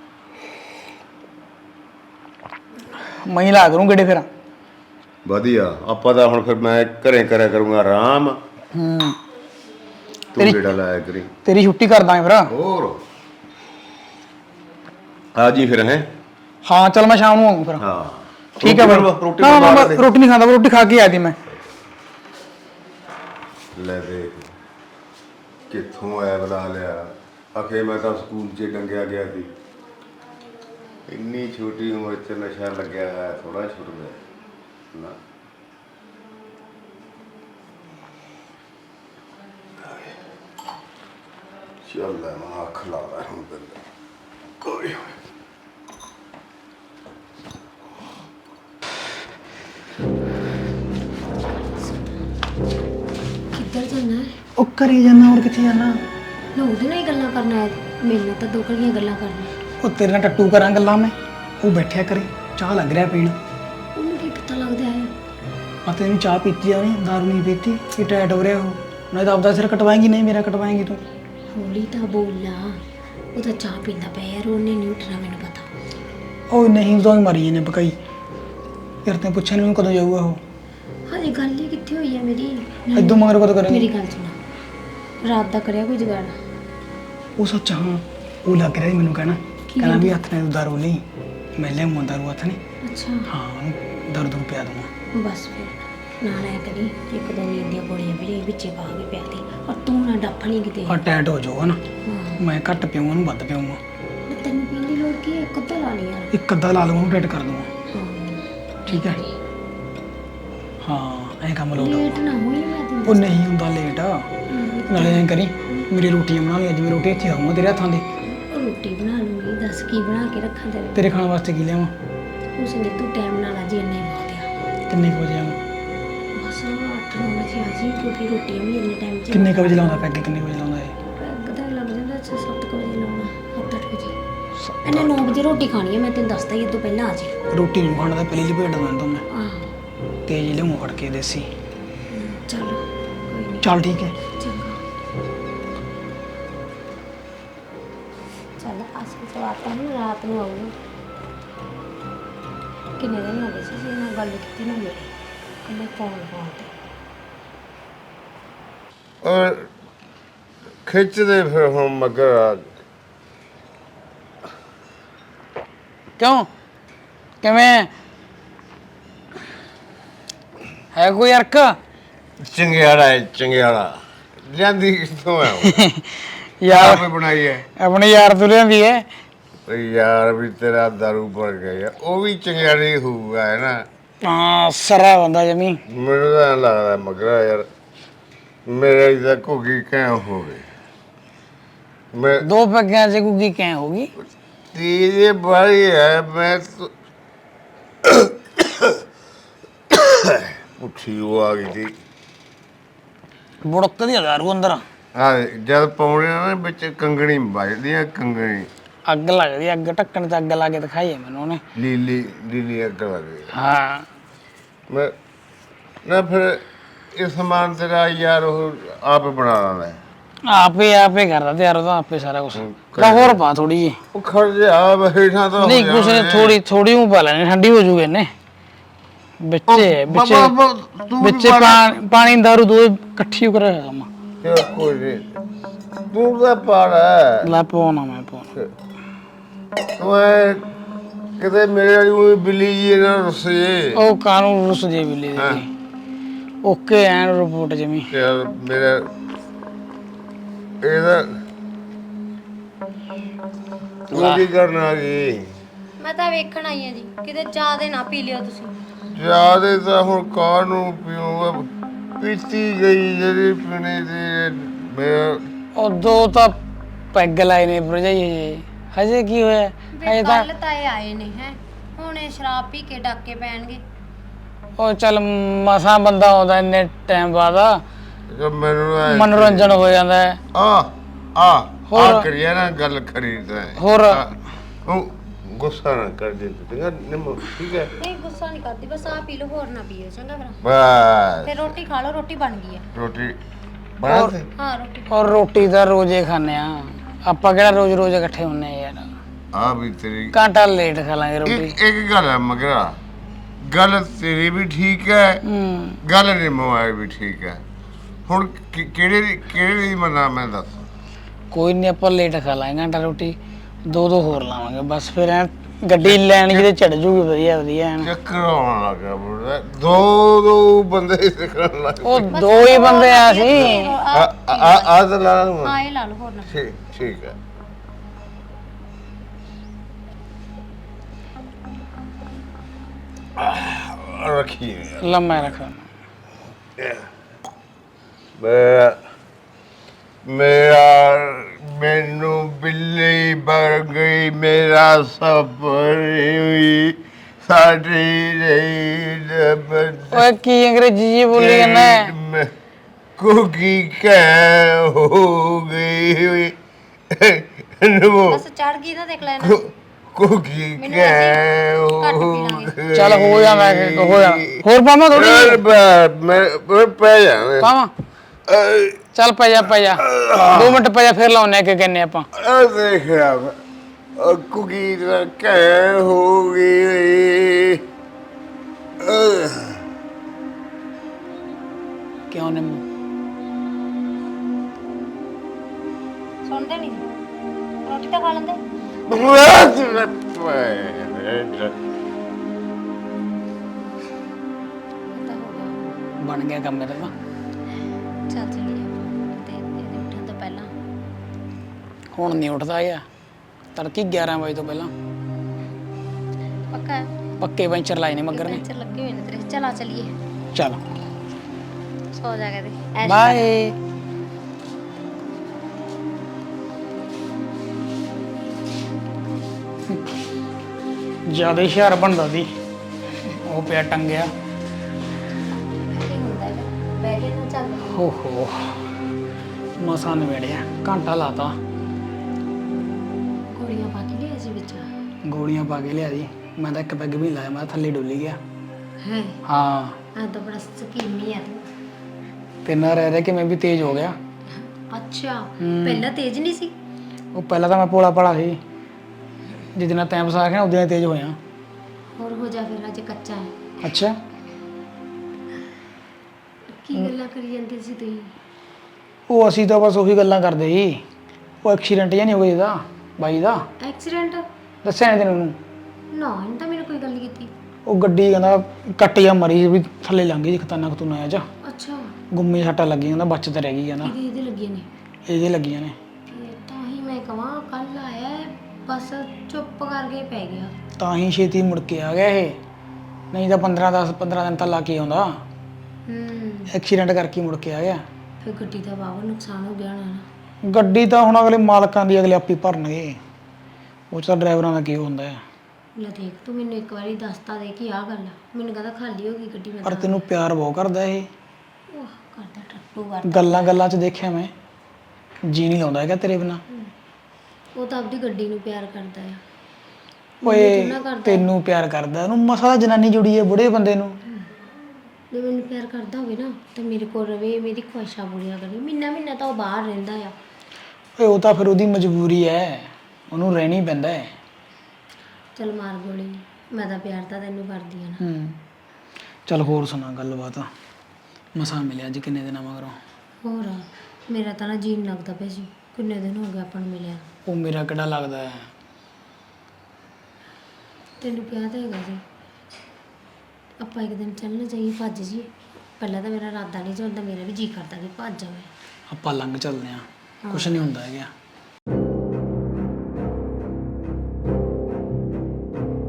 ਮੈਂ ਹੀ ਲਾ ਕਰੂੰ ਗੱਡੀ ਫਿਰ।
ਵਧੀਆ, ਆਪਾਂ ਤਾਂ ਹੁਣ ਫਿਰ ਮੈਂ ਘਰੇ ਕਰਿਆ ਕਰੂੰਗਾ ਆਰਾਮ।
ਹੂੰ
ਤੂੰ ਜਿਹੜਾ ਲਾਇਆ ਕਰੀ।
ਤੇਰੀ ਛੁੱਟੀ ਕਰ ਦਾਂਗੇ ਫਿਰ।
ਹੋਰ ਆ ਜੀ ਫਿਰ। ਹੈ
ਹਾਂ ਚੱਲ ਮੈਂ ਸ਼ਾਮ ਨੂੰ ਆਊਂ ਫਿਰ।
ਹਾਂ
ਠੀਕ ਹੈ ਫਿਰ।
ਰੋਟੀ
ਨਾ ਮੈਂ ਰੋਟੀ ਨਹੀਂ ਖਾਂਦਾ, ਰੋਟੀ ਖਾ ਕੇ ਆਇਆ ਸੀ ਮੈਂ।
ਲੈ ਦੇਖ ਕਿੱਥੋਂ ਐ ਬੁਲਾ ਲਿਆ। ਅਖੇ ਮੈਂ ਤਾਂ ਸਕੂਲ 'ਚ ਡੰਗਿਆ ਗਿਆ ਸੀ। ਇੰਨੀ ਛੋਟੀ ਉਮਰ 'ਚ ਨਸ਼ਾ ਲੱਗਿਆ ਹੈ, ਥੋੜਾ ਛੁੱਟਦਾ ਨਾ। ਚੱਲ ਲੈ ਮੈਂ ਅੱਖ ਲਾ ਰਿਹਾ ਹੁਣ ਪਹਿਲਾਂ। ਕੋਈ
ਕਿੱਧਰ ਜਾਣਾ ਹੈ?
ਉਹ ਘਰੇ ਜਾਣਾ, ਹੋਰ ਕਿੱਥੇ ਜਾਣਾ?
ਨਾ ਉਹਦੇ ਨਾਲ ਹੀ ਗੱਲਾਂ ਕਰਨਾ ਹੈ, ਮੇਰੇ ਨਾਲ ਤਾਂ ਦੋ ਘੜੀਆਂ ਗੱਲਾਂ ਕਰਨੀਆਂ।
ਉਹ ਤੇਰੇ ਨਾਲ ਟੱਟੂ ਕਰਾਂ ਗੱਲਾਂ ਮੈਂ। ਉਹ ਬੈਠਿਆ ਕਰੇ, ਚਾਹ ਲੱਗ ਰਿਹਾ ਪੀਣ।
ਉਹਨੂੰ ਕੀ ਪਤਾ ਲੱਗਦਾ ਹੈ?
ਆ ਤੈਨੂੰ ਚਾਹ ਪੀਤੀ ਆ ਨਹੀਂ, ਦਾਰੂ ਨਹੀਂ ਪੀਤੀ ਕਿ ਟੈਟ ਹੋ ਰਿਹਾ ਉਹ। ਨਹੀਂ ਤਾਂ ਆਪਦਾ ਸਿਰ ਕਟਵਾਏਂਗੀ, ਨਹੀਂ ਮੇਰਾ ਕਟਵਾਏਂਗੀ ਤੂੰ।
ਹੌਲੀ ਤਾਂ ਬੋਲਾ, ਉਹ ਤਾਂ ਚਾਹ ਪੀਂਦਾ ਪਿਆ ਯਾਰ, ਉਹਨੇ ਨਹੀਂ ਉੱਠਣਾ ਮੈਨੂੰ ਪਤਾ।
ਉਹ ਨਹੀਂ, ਉਦੋਂ ਹੀ ਮਾਰੀ ਇਹਨੇ ਪਕਾਈ। ਯਾਰ ਤੈਨੂੰ ਪੁੱਛਿਆ ਨਹੀਂ ਕਦੋਂ ਜਾਊਗਾ ਉਹ।
ਹਾਲੇ ਗੱਲ ਹੀ ਕਿੱਥੇ ਹੋਈ ਹੈ ਮੇਰੀ?
ਇਦੋਂ ਮਗਰ ਕਦੋਂ ਕਰੇਂਗੀ?
ਮੇਰੀ ਗੱਲ ਸੁਣਾ, ਰਾਤ ਦਾ ਕਰਿਆ ਕੋਈ ਜੁਗਾੜ?
ਉਹ ਸੱਚ ਹਾਂ, ਉਹ ਲੱਗ ਰਿਹਾ ਸੀ ਮੈਨੂੰ ਕਹਿਣਾ ਕਹਿੰਦਾ ਵੀ ਹੱਥ ਨੇ ਦਾਰੂ ਨਹੀਂ, ਮੈਂ ਲਿਆਉਂਗਾ ਦਾਰੂ ਹੱਥ ਨੇ।
ਅੱਛਾ
ਹਾਂ ਉਹਨੂੰ ਦਾਰੂ ਦੂਰੂ ਪਿਆ ਦੂੰਗਾ।
ਬਸ ਫਿਰ ਨਾਲ ਐ ਕਰੀ, ਇੱਕ ਦੋ ਨੀਂਦ ਦੀਆਂ ਗੋਲੀਆਂ ਵੀ ਵਿੱਚੇ ਪਾ ਕੇ ਪਿਆ ਦੀ, ਔਰ ਤੂੰ ਨਾ ਡੱਫ ਨਹੀਂ ਕਿਤੇ।
ਆ ਟੈਟ ਹੋ ਜਾਊਗਾ ਨਾ,
ਹਾਂ
ਮੈਂ ਘੱਟ ਪੀਊਂਗਾ ਉਹਨੂੰ ਵੱਧ ਪੀਊਂਗਾ।
ਤੈਨੂੰ ਪੀਣ ਦੀ ਲੋੜ ਕੀ ਹੈ? ਇੱਕ ਅੱਧਾ ਲਾ ਲਈ ਯਾਰ।
ਇੱਕ ਅੱਧਾ ਲਾ ਲਵਾਂ, ਉਹਨੂੰ ਟੈਟ ਕਰ ਦੂੰਗਾ।
ਹਾਂ
ਠੀਕ ਹੈ। ਹਾਂ ਐਂ ਕੰਮ ਲੋਟ।
ਲੇਟ ਨਾ ਹੋਈ, ਮੈਂ ਤੈਨੂੰ
ਉਹ ਨਹੀਂ ਹੁੰਦਾ ਲੇਟ। ਨਾਲੇ ਐਂ ਕਰੀ, ਮੇਰੀ ਰੋਟੀਆਂ ਬਣਾ ਲਈ ਅੱਜ। ਮੈਂ ਰੋਟੀ ਇੱਥੇ ਖਾਊਂਗਾ ਤੇਰੇ ਹੱਥਾਂ ਦੀ।
ਰੋਟੀ ਬਣਾ ਲੂੰਗੀ, ਦੱਸ ਕੀ ਬਣਾ ਕੇ ਰੱਖਾਂ ਤੇਰੇ?
ਤੇਰੇ ਖਾਣ ਵਾਸਤੇ ਕੀ ਲਿਆਵਾਂ?
ਉਸ ਨੇ ਤੂੰ ਟਾਈਮ ਨਾਲ ਆ ਜੀ, ਇੰਨਾ ਹੀ ਬਹੁਤ ਆ।
ਕਿੰਨੇ ਕੁ ਵਜੇ ਆਵਾਂ?
ਬਸ ਅੱਠ ਨੌ ਵਜੇ ਆ ਜੀ, ਕਿਉਂਕਿ ਰੋਟੀਆਂ ਵੀ ਇੰਨੇ ਟਾਈਮ 'ਚ।
ਕਿੰਨੇ ਕੁ ਵਜੇ ਲਾਉਂਦਾ ਪੈਗ? ਕਿੰਨੇ ਕੁ ਵਜੇ ਲਾਉਂਦਾ ਇਹ?
ਪੈਗ ਤਾਂ ਲੱਗ ਜਾਂਦਾ ਛੇ ਸੱਤ ਕੁ ਵਜੇ ਲਾਉਣਾ, ਸੱਤ ਅੱਠ ਵਜੇ। ਇਹਨੇ ਨੌ ਵਜੇ ਰੋਟੀ ਖਾਣੀ ਹੈ, ਮੈਂ ਤੈਨੂੰ ਦੱਸਦਾ ਹੀ, ਇਹ ਤੋਂ ਪਹਿਲਾਂ ਆ ਜੀ।
ਰੋਟੀ ਨਹੀਂ ਖਾਣਾ ਤਾਂ ਪਹਿਲੀ ਲਪੇਟ ਦਵਾਂ ਤੂੰ। ਮੈਂ
ਆਹ
ਤੇਜ਼ ਲਿਆਉਂ ਫੜ ਕੇ ਦੇਸੀ।
ਚੱਲ ਕੋਈ ਨਹੀਂ,
ਚੱਲ ਠੀਕ ਹੈ।
ਚੰਗਾ। ਚੱਲ ਅਸਲ ਤੋਂ ਆਪਾਂ ਨੂੰ ਰਾਤ ਨੂੰ ਆਊਗਾ। ਕਿੰਨੇ ਦਿਨ ਹੋ ਗਏ ਸੀ ਜੀ ਨਾਲ ਗੱਲ ਕੀਤੀ ਨਾ ਮੇਰੀ, ਕਹਿੰਦੇ ਫੋਨ ਫੋਨ ਤੇ।
ਔਰ ਖਿੱਚਦੇ ਫਿਰ ਹੁਣ ਮਗਰ।
ਕਿਉਂ ਕਿਵੇਂ ਹੈ ਕੋਈ ਅਰਕ?
ਚੰਗਿਆੜਾ ਹੈ, ਚੰਗਿਆੜਾ। ਜਾਂਦੀ ਕਿੱਥੋਂ ਹੈ ਉਹ?
ਯਾਰ
ਆਪੇ ਬਣਾਈ ਹੈ।
ਆਪਣੇ ਯਾਰ ਤੋਂ ਲਿਆਂਦੀ ਹੈ।
ਤੇ ਯਾਰ ਵੀ ਤੇਰਾ ਦਾਰੂ ਪੜ ਗਿਆ, ਉਹ ਵੀ ਚੰਗਿਆੜੀ ਹੋਊਗਾ ਹੈ ਨਾ।
ਹਾਂ ਸਰਾ ਬੰਦਾ ਜਮੀ।
ਮੈਨੂੰ ਤਾਂ ਐਂ ਲੱਗਦਾ ਮਗਰਾ ਯਾਰ ਮੇਰੇ ਤਾਂ ਘੁੱਗੀ ਕਹਿ ਹੋ ਗਈ। ਮੈਂ
ਦੋ ਪੈਗਿਆਂ ਚ ਗੁੱਗੀ ਕਿਵੇਂ ਹੋਗੀ?
ਤੀਜੇ ਬਾਰੀ ਹੈ ਮੈਂ ਉੱਠੀ ਉਹ ਆ ਗਈ ਸੀ।
ਬੁੜਕ ਦੀ ਦਾਰੂ ਅੰਦਰ
ਆ ਜਦ ਪਾਉਣੇ ਨਾ ਵਿੱਚ ਕੰਗਣੀ ਵੱਜਦੀ ਆ, ਕੰਗਣੀ
ਅੱਗ ਲੱਗਦੀ, ਅੱਗ ਢੱਕਣ ਤੇ ਅੱਗ ਲਾ ਕੇ ਦਿਖਾਈ ਹੈ ਮੈਨੂੰ ਉਹਨੇ।
ਲੀਲੀ ਲੀਲੀ ਅੱਗ ਲੱਗਦੀ।
ਹਾਂ
ਮੈਂ ਨਾ ਫਿਰ ਇਹ ਸਮਾਨ ਤੇਰਾ ਯਾਰ ਉਹ ਆਪ ਬਣਾ ਲੈਂਦਾ।
ਆਪੇ ਆਪੇ ਕਰਦਾ ਤੇ ਯਾਰ ਉਹਦਾ ਆਪੇ ਸਾਰਾ ਕੁਝ। ਤਾਂ ਹੋਰ ਪਾ ਥੋੜੀ ਜੀ।
ਉਹ ਖੜ ਜਾ ਬੈਠਾ ਤਾਂ
ਨਹੀਂ ਕੁਛ ਨਹੀਂ, ਥੋੜੀ ਥੋੜੀ ਉਹ ਪਾ ਲੈਣੀ, ਠੰਡੀ ਹੋ ਜੂਗੇ ਨੇ। ਵਿੱਚੇ ਵਿੱਚੇ ਵਿੱਚੇ ਪਾਣੀ ਦਾਰੂ ਦੋ ਇਕੱਠੀ ਕਰ ਰਿਹਾ ਕੰਮ।
ਕੋਈ ਨਹੀਂ ਤੂੰ ਦਾ ਪਾੜਾ
ਲੈ ਪਾਉਣਾ ਮੈਂ ਪਾਉਣਾ।
ਤੂੰ ਐ ਕਿਤੇ ਮੇਰੇ ਵਾਲੀ ਉਹ ਬਿੱਲੀ ਜੀ ਨਾ ਰੁੱਸੇ।
ਉਹ ਕਾਨੂੰਨ ਰੁੱਸ ਜੇ ਬਿੱਲੀ ਦੀ। ਓਕੇ ਐਨ ਰਿਪੋਰਟ ਜਮੀ।
ਯਾਰ ਮੇਰਾ ਇਹਦਾ ਉਹ ਕੀ ਕਰਨ ਆ ਗਈ?
ਮੈਂ ਤਾਂ ਵੇਖਣ ਆਈ ਆ ਜੀ, ਕਿਤੇ ਜ਼ਿਆਦੇ ਨਾ ਪੀ ਲਿਓ ਤੁਸੀਂ।
ਜਿਆਦੇ ਤਾਂ ਹੁਣ ਕਾਹਨੂੰ ਪੀਊਂਗਾ, ਪੀਤੀ ਗਈ ਜਿਹੜੀ ਪੀਣੀ ਦੀ। ਮੈਂ
ਉਹ ਦੋ ਤਾਂ ਪੈਗ ਲਾਏ ਨੇ ਭਰਜਾਈ ਹਜੇ ਹਜੇ ਕੀ ਹੋਇਆ ਹਜੇ
ਵੇ
ਤਾਂ
ਕੱਲ ਤਾਂ ਇਹ ਆਏ ਨੇ ਹੈ, ਹੁਣ ਇਹ ਸ਼ਰਾਬ ਪੀ ਕੇ ਡਾਕੇ ਪੈਣਗੇ।
ਉਹ ਚੱਲ ਮਸਾਂ ਬੰਦਾ ਆਉਂਦਾ ਇੰਨੇ ਟਾਈਮ ਬਾਅਦ
ਜਦ ਮੈਨੂੰ ਐਂ-
ਮਨੋਰੰਜਨ ਹੋ ਜਾਂਦਾ ਹੈ।
ਆ ਆ
ਹੋਰ?
ਆ ਕਰੀਏ ਨਾ ਗੱਲ ਖਰੀਦਦਾ ਹੈ।
ਹੋਰ?
ਆ, ਉਹ ਗੁੱਸਾ ਨਾ ਕਰ ਦੇ ਤੂੰ ਨਿੰਮੋ, ਠੀਕ ਹੈ?
ਨਹੀਂ ਗੁੱਸਾ ਨਹੀਂ ਕਰਦੀ, ਬਸ ਆਹ ਪੀ ਲਓ, ਹੋਰ ਨਾ ਪੀਓ ਚੰਗਾ ਫਿਰ।
ਬਸ
ਫਿਰ ਰੋਟੀ ਖਾ ਲਓ, ਰੋਟੀ ਬਣ ਗਈ ਆ।
ਰੋਟੀ ਬਣਾ ਦੇ।
ਹਾਂ ਰੋਟੀ।
ਔਰ ਰੋਟੀ ਤਾਂ ਰੋਜ਼ੇ ਖਾਂਦੇ ਆ ਆਪਾਂ, ਕਿਹੜਾ ਰੋਜ਼ ਰੋਜ਼ ਇਕੱਠੇ ਹੁੰਨੇ ਆ ਯਾਰ।
ਆ ਵੀ ਤੇਰੀ
ਘੰਟਾ ਲੇਟ ਖਾ ਲਾਂਗੇ ਰੋਟੀ।
ਇੱਕ ਇੱਕ ਗੱਲ ਹੈ ਮਗਰਾ, ਗੱਲ ਤੇਰੀ ਵੀ ਠੀਕ ਹੈ,
ਹੂੰ
ਗੱਲ ਨਿੰਮੋ ਵਾਲੀ ਵੀ ਠੀਕ ਹੈ। ਹੁਣ ਕਿ- ਕਿਹੜੇ ਦੀ ਕਿਹੜੇ ਦੀ ਮੰਨਾਂ ਮੈਂ ਦੱਸ।
ਕੋਈ ਨਹੀਂ, ਆਪਾਂ ਲੇਟ ਖਾ ਲਾਂਗੇ ਘੰਟਾ ਰੋਟੀ, ਦੋ ਦੋ ਹੋਰ ਲਾਵਾਂਗੇ ਬਸ। ਫਿਰ ਐਂ ਗੱਡੀ ਲੈਣ ਜਿਹਦੇ ਚੜ ਜੂਗੀ ਵਧੀਆ ਵਧੀਆ ਐਨ।
ਚੱਕਰ ਆਉਣ ਲੱਗਾ ਬੁੜਾ, ਦੋ ਦੋ ਬੰਦੇ ਸਿੱਖਣ ਲੱਗ
ਉਹ ਦੋ ਹੀ ਬੰਦੇ ਆ ਸੀ।
ਆ ਆ ਆ ਤਾਂ ਲਾ ਲਵਾਂ।
ਹਾਂ ਇਹ ਲਾ ਲਓ, ਹੋਰ ਨਾ।
ਠੀਕ ਠੀਕ ਹੈ। ਆਹ, ਰੱਖੀ
ਲੰਮਾ ਰੱਖ।
ਮੇਰਾ ਮੇਰਾ ਮੈਨੂੰ ਬਿੱਲੀ ਬਣ ਗਈ, ਮੇਰਾ ਸਫਰ ਹੋਈ ਸਾਡੀ ਰਹੀ।
ਓਏ ਕੀ ਅੰਗਰੇਜ਼ੀ ਜੀ ਬੋਲੀ ਜਾਂਦਾ?
ਕੁਕੀ ਕਹਿ ਹੋ ਗਈ ਹੋਈ ਨਮੋ
ਬਸ ਚੜ ਗਈ ਨਾ, ਦੇਖ ਲੈਣਾ।
ਕੁਕੀ
ਮੈਨੂੰ
ਕਹਿ
ਅਸੀਂ ਘੱਟ
ਹੋ
ਪੀ ਲਾਂਗੇ।
ਗਈ।
ਚੱਲ ਹੋ ਜਾਂਦਾ ਹੋ ਜਾਂਦਾ। ਹੋਰ ਪਾਵਾਂ ਥੋੜੀ
ਯਾਰ ਬ- ਮੈਂ ਮੈਂ ਪੈ ਜਾਣਾ।
ਪਾਵਾਂ? ਚੱਲ ਪੈ ਜਾ ਪੈ ਜਾ, ਦੋ ਮਿੰਟ ਪੈ ਜਾ, ਫਿਰ ਲਾਉਨੇ ਆ ਕਿ ਕਹਿੰਨੇ ਆਪਾਂ।
ਆ ਦੇਖ ਰਿਹਾ ਕੁਕੀ ਦਾ ਕਹਿ ਹੋ ਗਈ। ਅਹ
ਕਿਉਂ ਨੇ
ਸੁਣਦੇ ਨਹੀਂ, ਰੋਟੀ ਤਾਂ ਖਾ ਲੈਂਦੇ।
ਬਸ ਮੈਂ ਪੈ
ਤਾਂ ਹੋ ਗਿਆ,
ਬਣ ਗਿਆ ਕੰਮ ਮੇਰਾ ਤਾਂ।
ਚੱਲ ਚਲੀਏ ਤੇ ਇਹਦੇ ਉੱਠਣ ਤੋਂ ਪਹਿਲਾਂ।
ਹੁਣ ਨਹੀਂ ਉੱਠਦਾ ਗਿਆ, ਤੜਕੀ ਗਿਆਰਾਂ ਵਜੇ ਤੋਂ ਪਹਿਲਾਂ
ਪੱਕਾ ਹੈ?
ਪੱਕੇ ਪੈਂਚਰ ਲਾਏ ਨੇ ਮੱਗਰ ਨੇ।
ਪੈਂਚਰ ਲੱਗੇ ਹੋਏ ਨੇ ਤੇਰੇ। ਚਲਾ ਚਲੀਏ,
ਚੱਲ
ਸੋ ਜਾ ਕੇ ਦੇ।
ਬਾਏ। ਜਿਆਦਾ ਹੁਸ਼ਿਆਰ ਬਣਦਾ ਸੀ ਉਹ, ਪਿਆ ਟੰਗਿਆ।
ਕੀ ਹੁੰਦਾ ਹੈ, ਬਹਿ ਕੇ ਨਾ ਚੱਲ।
ਹੋ ਹੋ ਮਸਾਂ ਨਵੇੜਿਆ, ਘੰਟਾ ਲਾਤਾ।
ਗੋਲੀਆਂ ਪਾ ਕੇ ਲਿਆ ਸੀ ਵਿੱਚ।
ਗੋਲੀਆਂ ਪਾ ਕੇ ਲਿਆ ਜੀ, ਮੈਂ ਤਾਂ ਇੱਕ ਪੈਗ ਵੀ ਨੀ ਲਾਇਆ, ਮੈਂ ਤਾਂ ਥੱਲੇ ਡੁੱਲੀ ਗਿਆ।
ਹੈ
ਹਾਂ
ਆ ਤਾਂ ਬੜਾ ਸਕੀਮੀ ਆ ਤੂੰ।
ਤੇ ਨਾ ਰਹਿ ਰਹਿ ਕੇ ਮੈਂ ਵੀ ਤੇਜ਼ ਹੋ ਗਿਆ।
ਅੱਛਾ,
ਹੂੰ।
ਪਹਿਲਾਂ ਤੇਜ਼ ਨਹੀਂ ਸੀ?
ਉਹ ਪਹਿਲਾਂ ਤਾਂ ਮੈਂ ਪੋਲਾ ਪੜਾ ਸੀ, ਜਿੱਦ ਨਾਲ ਟਾਈਮ ਪਸਾ ਗਿਆ ਉਦੋਂ ਤੇਜ਼ ਹੋਇਆ।
ਹੋਰ ਹੋ ਜਾ ਫਿਰ, ਅਜੇ ਕੱਚਾ ਹੈ।
ਅੱਛਾ
ਕੀ ਗੱਲਾਂ ਕਰੀ ਜਾਂਦੇ ਸੀ ਤੁਸੀਂ?
ਉਹ ਅਸੀਂ ਤਾਂ ਬਸ ਉਹੀ ਗੱਲਾਂ ਕਰਦੇ ਸੀ। ਉਹ ਐਕਸੀਡੈਂਟ ਜਿਹਾ ਨਹੀਂ ਹੋ ਗਿਆ ਇਹਦਾ ਬਾਈ ਦਾ,
ਐਕਸੀਡੈਂਟ?
ਦੱਸਿਆ ਨਹੀਂ ਤੈਨੂੰ?
ਨਾ ਇਹਨੇ ਤਾਂ ਮੈਨੂੰ ਕੋਈ ਗੱਲ ਨਹੀਂ ਕੀਤੀ।
ਉਹ ਗੱਡੀ ਕਹਿੰਦਾ ਕੱਟ ਜਾਂ ਮਰੀ ਵੀ ਥੱਲੇ ਲੰਘ ਗਈ, ਖਤਰਨਾਕ ਤੂੰ ਆਇਆ ਜਾ
ਅੱਛਾ,
ਗੁੰਮੀ ਸੱਟਾਂ ਲੱਗੀ, ਕਹਿੰਦਾ ਬਚਤ ਰਹਿ ਗਈ ਕਹਿੰਦਾ।
ਇਹਦੇ ਇਹਦੇ ਲੱਗੀਆਂ ਨੇ?
ਇਹਦੇ ਲੱਗੀਆਂ ਨੇ।
ਇਹ ਤਾਂ ਹੀ ਮੈਂ ਕਹਾਂ, ਕੱਲ ਆਇਆ ਹੈ, ਬਸ ਚੁੱਪ ਕਰਕੇ ਪੈ ਗਿਆ।
ਤਾਂ ਹੀ ਛੇਤੀ ਮੁੜ ਕੇ ਆ ਗਿਆ ਇਹ, ਨਹੀਂ ਤਾਂ ਪੰਦਰਾਂ ਦਸ ਪੰਦਰਾਂ ਦਿਨ ਤਾਂ ਲਾ ਕੇ ਆਉਂਦਾ।
ਹੂੰ,
ਐਕਸੀਡੈਂਟ ਕਰਕੇ ਮੁੜ ਕੇ ਆ ਗਿਆ।
ਫਿਰ ਗੱਡੀ ਦਾ ਵਾਵਾ ਨੁਕਸਾਨ ਹੋ ਗਿਆ ਹੋਣਾ ਨਾ।
ਗੱਡੀ ਤਾਂ ਹੁਣ ਅਗਲੇ ਮਾਲਕਾਂ ਦੀ ਅਗਲੇ ਆਪੀ ਭਰਨਗੇ, ਉਹ 'ਚ ਤਾਂ ਡਰਾਈਵਰਾਂ ਦਾ ਕੀ ਹੁੰਦਾ ਹੈ।
ਲੈ ਦੇਖ, ਤੂੰ ਮੈਨੂੰ ਇੱਕ ਵਾਰੀ ਦੱਸਤਾ ਦੇ ਕਿ ਆਹ ਗੱਲ ਆ, ਮੈਨੂੰ ਕਹਿੰਦਾ ਖਾਲੀ ਹੋ ਗਈ ਗੱਡੀ। ਮੈਂ
ਪਰ
ਤਾਂ
ਤੈਨੂੰ ਪਿਆਰ ਬਹੁਤ ਕਰਦਾ ਇਹ,
ਉਹ ਕਰਦਾ ਟੱਟੂ ਕਰਦਾ।
ਗੱਲਾਂ ਗੱਲਾਂ 'ਚ ਦੇਖਿਆ ਮੈਂ, ਜੀ ਨਹੀਂ ਲਾਉਂਦਾ ਹੈਗਾ ਤੇਰੇ ਬਿਨਾ।
ਉਹ ਤਾਂ ਆਪਦੀ ਗੱਡੀ ਨੂੰ ਪਿਆਰ ਕਰਦਾ ਆ।
ਓਏ
ਕਿੰਨਾ ਕਰਦਾ?
ਤੈਨੂੰ ਪਿਆਰ ਕਰਦਾ, ਉਹਨੂੰ ਮਸਾ ਜਨਾਨੀ ਜੁੜੀ ਹੈ ਬੁੜੇ ਬੰਦੇ ਨੂੰ।
ਜੇ ਮੈਨੂੰ ਪਿਆਰ ਕਰਦਾ ਹੋਵੇ ਨਾ ਤਾਂ ਮੇਰੇ ਕੋਲ ਰਵੇ, ਮੇਰੀ ਖੁਆਇਸ਼ਾਂ ਪੂਰੀਆਂ ਕਰੇ। ਮਹੀਨਾ ਮਹੀਨਾ ਤਾਂ ਉਹ ਬਾਹਰ ਰਹਿੰਦਾ ਆ।
ਓਏ ਉਹ ਤਾਂ ਫਿਰ ਉਹਦੀ ਮਜਬੂਰੀ ਹੈ, ਉਹਨੂੰ ਰਹਿਣੀ ਪੈਂਦਾ ਹੈ।
ਚੱਲ ਮਾਰ ਗੋਲੀ, ਮੈਂ ਤਾਂ ਪਿਆਰ ਤਾਂ ਤੈਨੂੰ ਕਰਦੀ ਆ ਨਾ।
ਹੂੰ ਚੱਲ ਹੋਰ ਸੁਣਾ ਗੱਲਬਾਤ, ਮਸਾਂ ਮਿਲਿਆ ਅੱਜ ਕਿੰਨੇ ਦਿਨਾਂ ਮਗਰੋਂ।
ਹੋਰ ਮੇਰਾ ਤਾਂ ਨਾ ਜੀਣ ਲੱਗਦਾ ਪਿਆ ਸੀ, ਕਿੰਨੇ ਦਿਨ ਹੋ ਗਏ ਆਪਾਂ ਨੂੰ ਮਿਲਿਆ।
ਉਹ ਮੇਰਾ ਕਿਹੜਾ ਲੱਗਦਾ ਹੈ।
ਤੈਨੂੰ ਕਿਹਾ ਤਾਂ ਹੈਗਾ ਸੀ ਆਪਾਂ ਇੱਕ ਦਿਨ ਚੱਲਣਾ ਚਾਹੀਏ, ਭੱਜ ਜੀ। ਪਹਿਲਾਂ ਤਾਂ ਮੇਰਾ ਇਰਾਦਾ ਨਹੀਂ ਸੀ, ਹੁਣ ਤਾਂ ਮੇਰਾ ਵੀ ਜੀ ਕਰਦਾ ਕਿ ਭੱਜ ਜਾਵੇ।
ਆਪਾਂ ਲੰਘ ਚੱਲਦੇ ਹਾਂ, ਕੁਛ ਨਹੀਂ ਹੁੰਦਾ ਹੈਗਾ।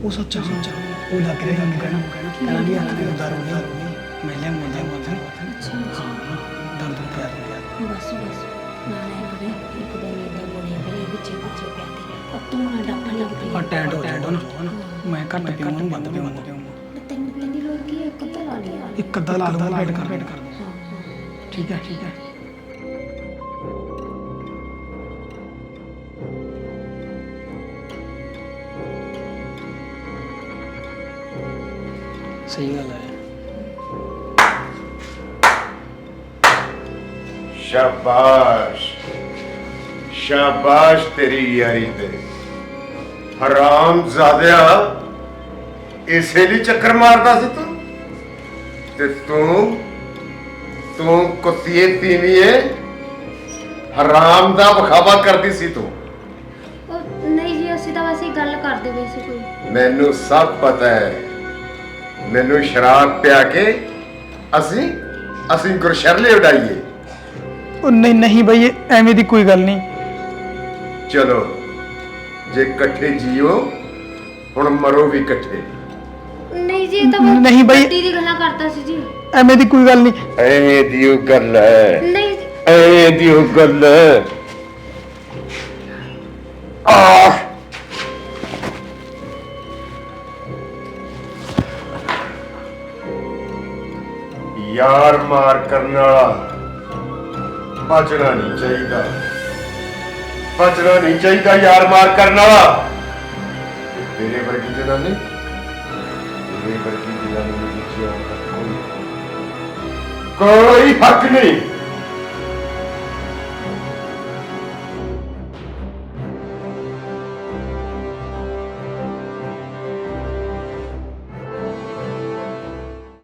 ਉਹ ਸੱਚਾ ਸੱਚਾ ਉਹ ਲੱਗ ਰਿਹਾ ਕੰਮ ਕਹਿਣਾ ਕਹਿਣਾ ਕਹਿਣਾ ਵੀ ਹੱਥ ਦੇ ਦਾਰੂ ਨਹੀਂ ਮੈਂ ਲੈ ਮੈਂ ਲੈ ਮੈਂ
ਅੱਛਾ ਅੱਛਾ
ਦੰਦ ਪਿਆ ਪਿਆ
ਬਸ ਬਸ ਨਾ ਨਾ ਕਰੇ ਇੱਕ ਦਿਨ ਇਦਾਂ ਬੋਲਿਆ ਕਰੇ ਵਿੱਚੇ ਵਿੱਚੇ ਪਿਆ ਤੇ ਤੂੰ ਨਾ ਡੱਬਾ ਲੱਗ ਪਈ
ਆ ਟੈਂਟ ਹੋ ਜਾਣਾ ਨਾ ਮੈਂ ਘੱਟ ਪੀਵਾਂ ਨੂੰ ਬੰਦ ਪੀਵਾਂ
ਤੈਨੂੰ ਤੈਨੂੰ ਲੋੜ ਕੀ ਹੈ? ਇੱਕ ਅੱਧਾ ਲਾ ਲਿਆ
ਇੱਕ ਅੱਧਾ ਲਾ ਲਵਾਂ ਵੇਟ ਕਰ ਵੇਟ ਕਰ
ਹਾਂ ਹਾਂ
ਠੀਕ ਹੈ ਠੀਕ ਹੈ ਸਹੀ ਗੱਲ ਹੈ
ਸ਼ਾਬਾਸ਼ ਸ਼ਾਬਾਸ਼ ਤੇਰੀ ਯਾਰੀ ਤੇ ਹਰਾਮ ਜ਼ਾਦਿਆ ਇਸੇ ਲਈ ਚੱਕਰ ਮਾਰਦਾ ਸੀ ਤੂੰ ਤੇ ਤੂੰ ਤੂੰ ਕੁੱਤੀਏ ਤੀਵੀਏ ਹਰਾਮ ਦਾ ਵਿਖਾਵਾ ਕਰਦੀ ਸੀ ਤੂੰ
ਉਹ ਨਹੀਂ ਜੀ ਅਸੀਂ ਤਾਂ ਵੈਸੇ ਹੀ ਗੱਲ ਕਰਦੇ ਪਏ ਸੀ ਕੋਈ
ਮੈਨੂੰ ਸਭ ਪਤਾ ਹੈ ਮੈਨੂੰ ਸ਼ਰਾਬ ਪਿਆ ਕੇ ਅਸੀਂ ਅਸੀਂ ਗੁਰਸ਼ਰਲੇ ਉਡਾਈਏ
ਉਹ ਨਹੀਂ ਨਹੀਂ ਬਈ ਇਹ ਐਵੇਂ ਦੀ ਕੋਈ ਗੱਲ ਨਹੀਂ
ਚਲੋ ਜੇ ਇਕੱਠੇ ਜੀਓ ਹੁਣ ਮਰੋ ਵੀ ਇਕੱਠੇ
ਨਹੀਂ ਜੀ ਇਹ ਤਾਂ
ਨਹੀਂ ਬਈ।
ਗੱਡੀ ਦੀ ਗੱਲਾਂ ਕਰਦਾ ਸੀ ਜੀ
ਐਵੇਂ ਦੀ ਕੋਈ ਗੱਲ ਨਹੀਂ
ਐ ਦੀ ਉਹ ਗੱਲ ਹੈ
ਨਹੀਂ ਜੀ
ਐ ਦੀ ਉਹ ਗੱਲ ਹੈ ਆਹ ਯਾਰ ਮਾਰ ਕਰਨ ਵਾਲਾ ਬਚਣਾ ਨਹੀਂ ਚਾਹੀਦਾ ਬਚਣਾ ਨਹੀਂ ਚਾਹੀਦਾ ਯਾਰ ਮਾਰ ਕਰਨ ਵਾਲਾ ਤੇਰੇ ਵਰਗੀ ਜਨਾਨੀ ਤੇਰੇ ਵਰਗੀ ਜਨਾਨੀ ਨੂੰ ਜਿਉਣ ਦਾ ਕੋਈ ਕੋਈ ਹੱਕ ਨਹੀਂ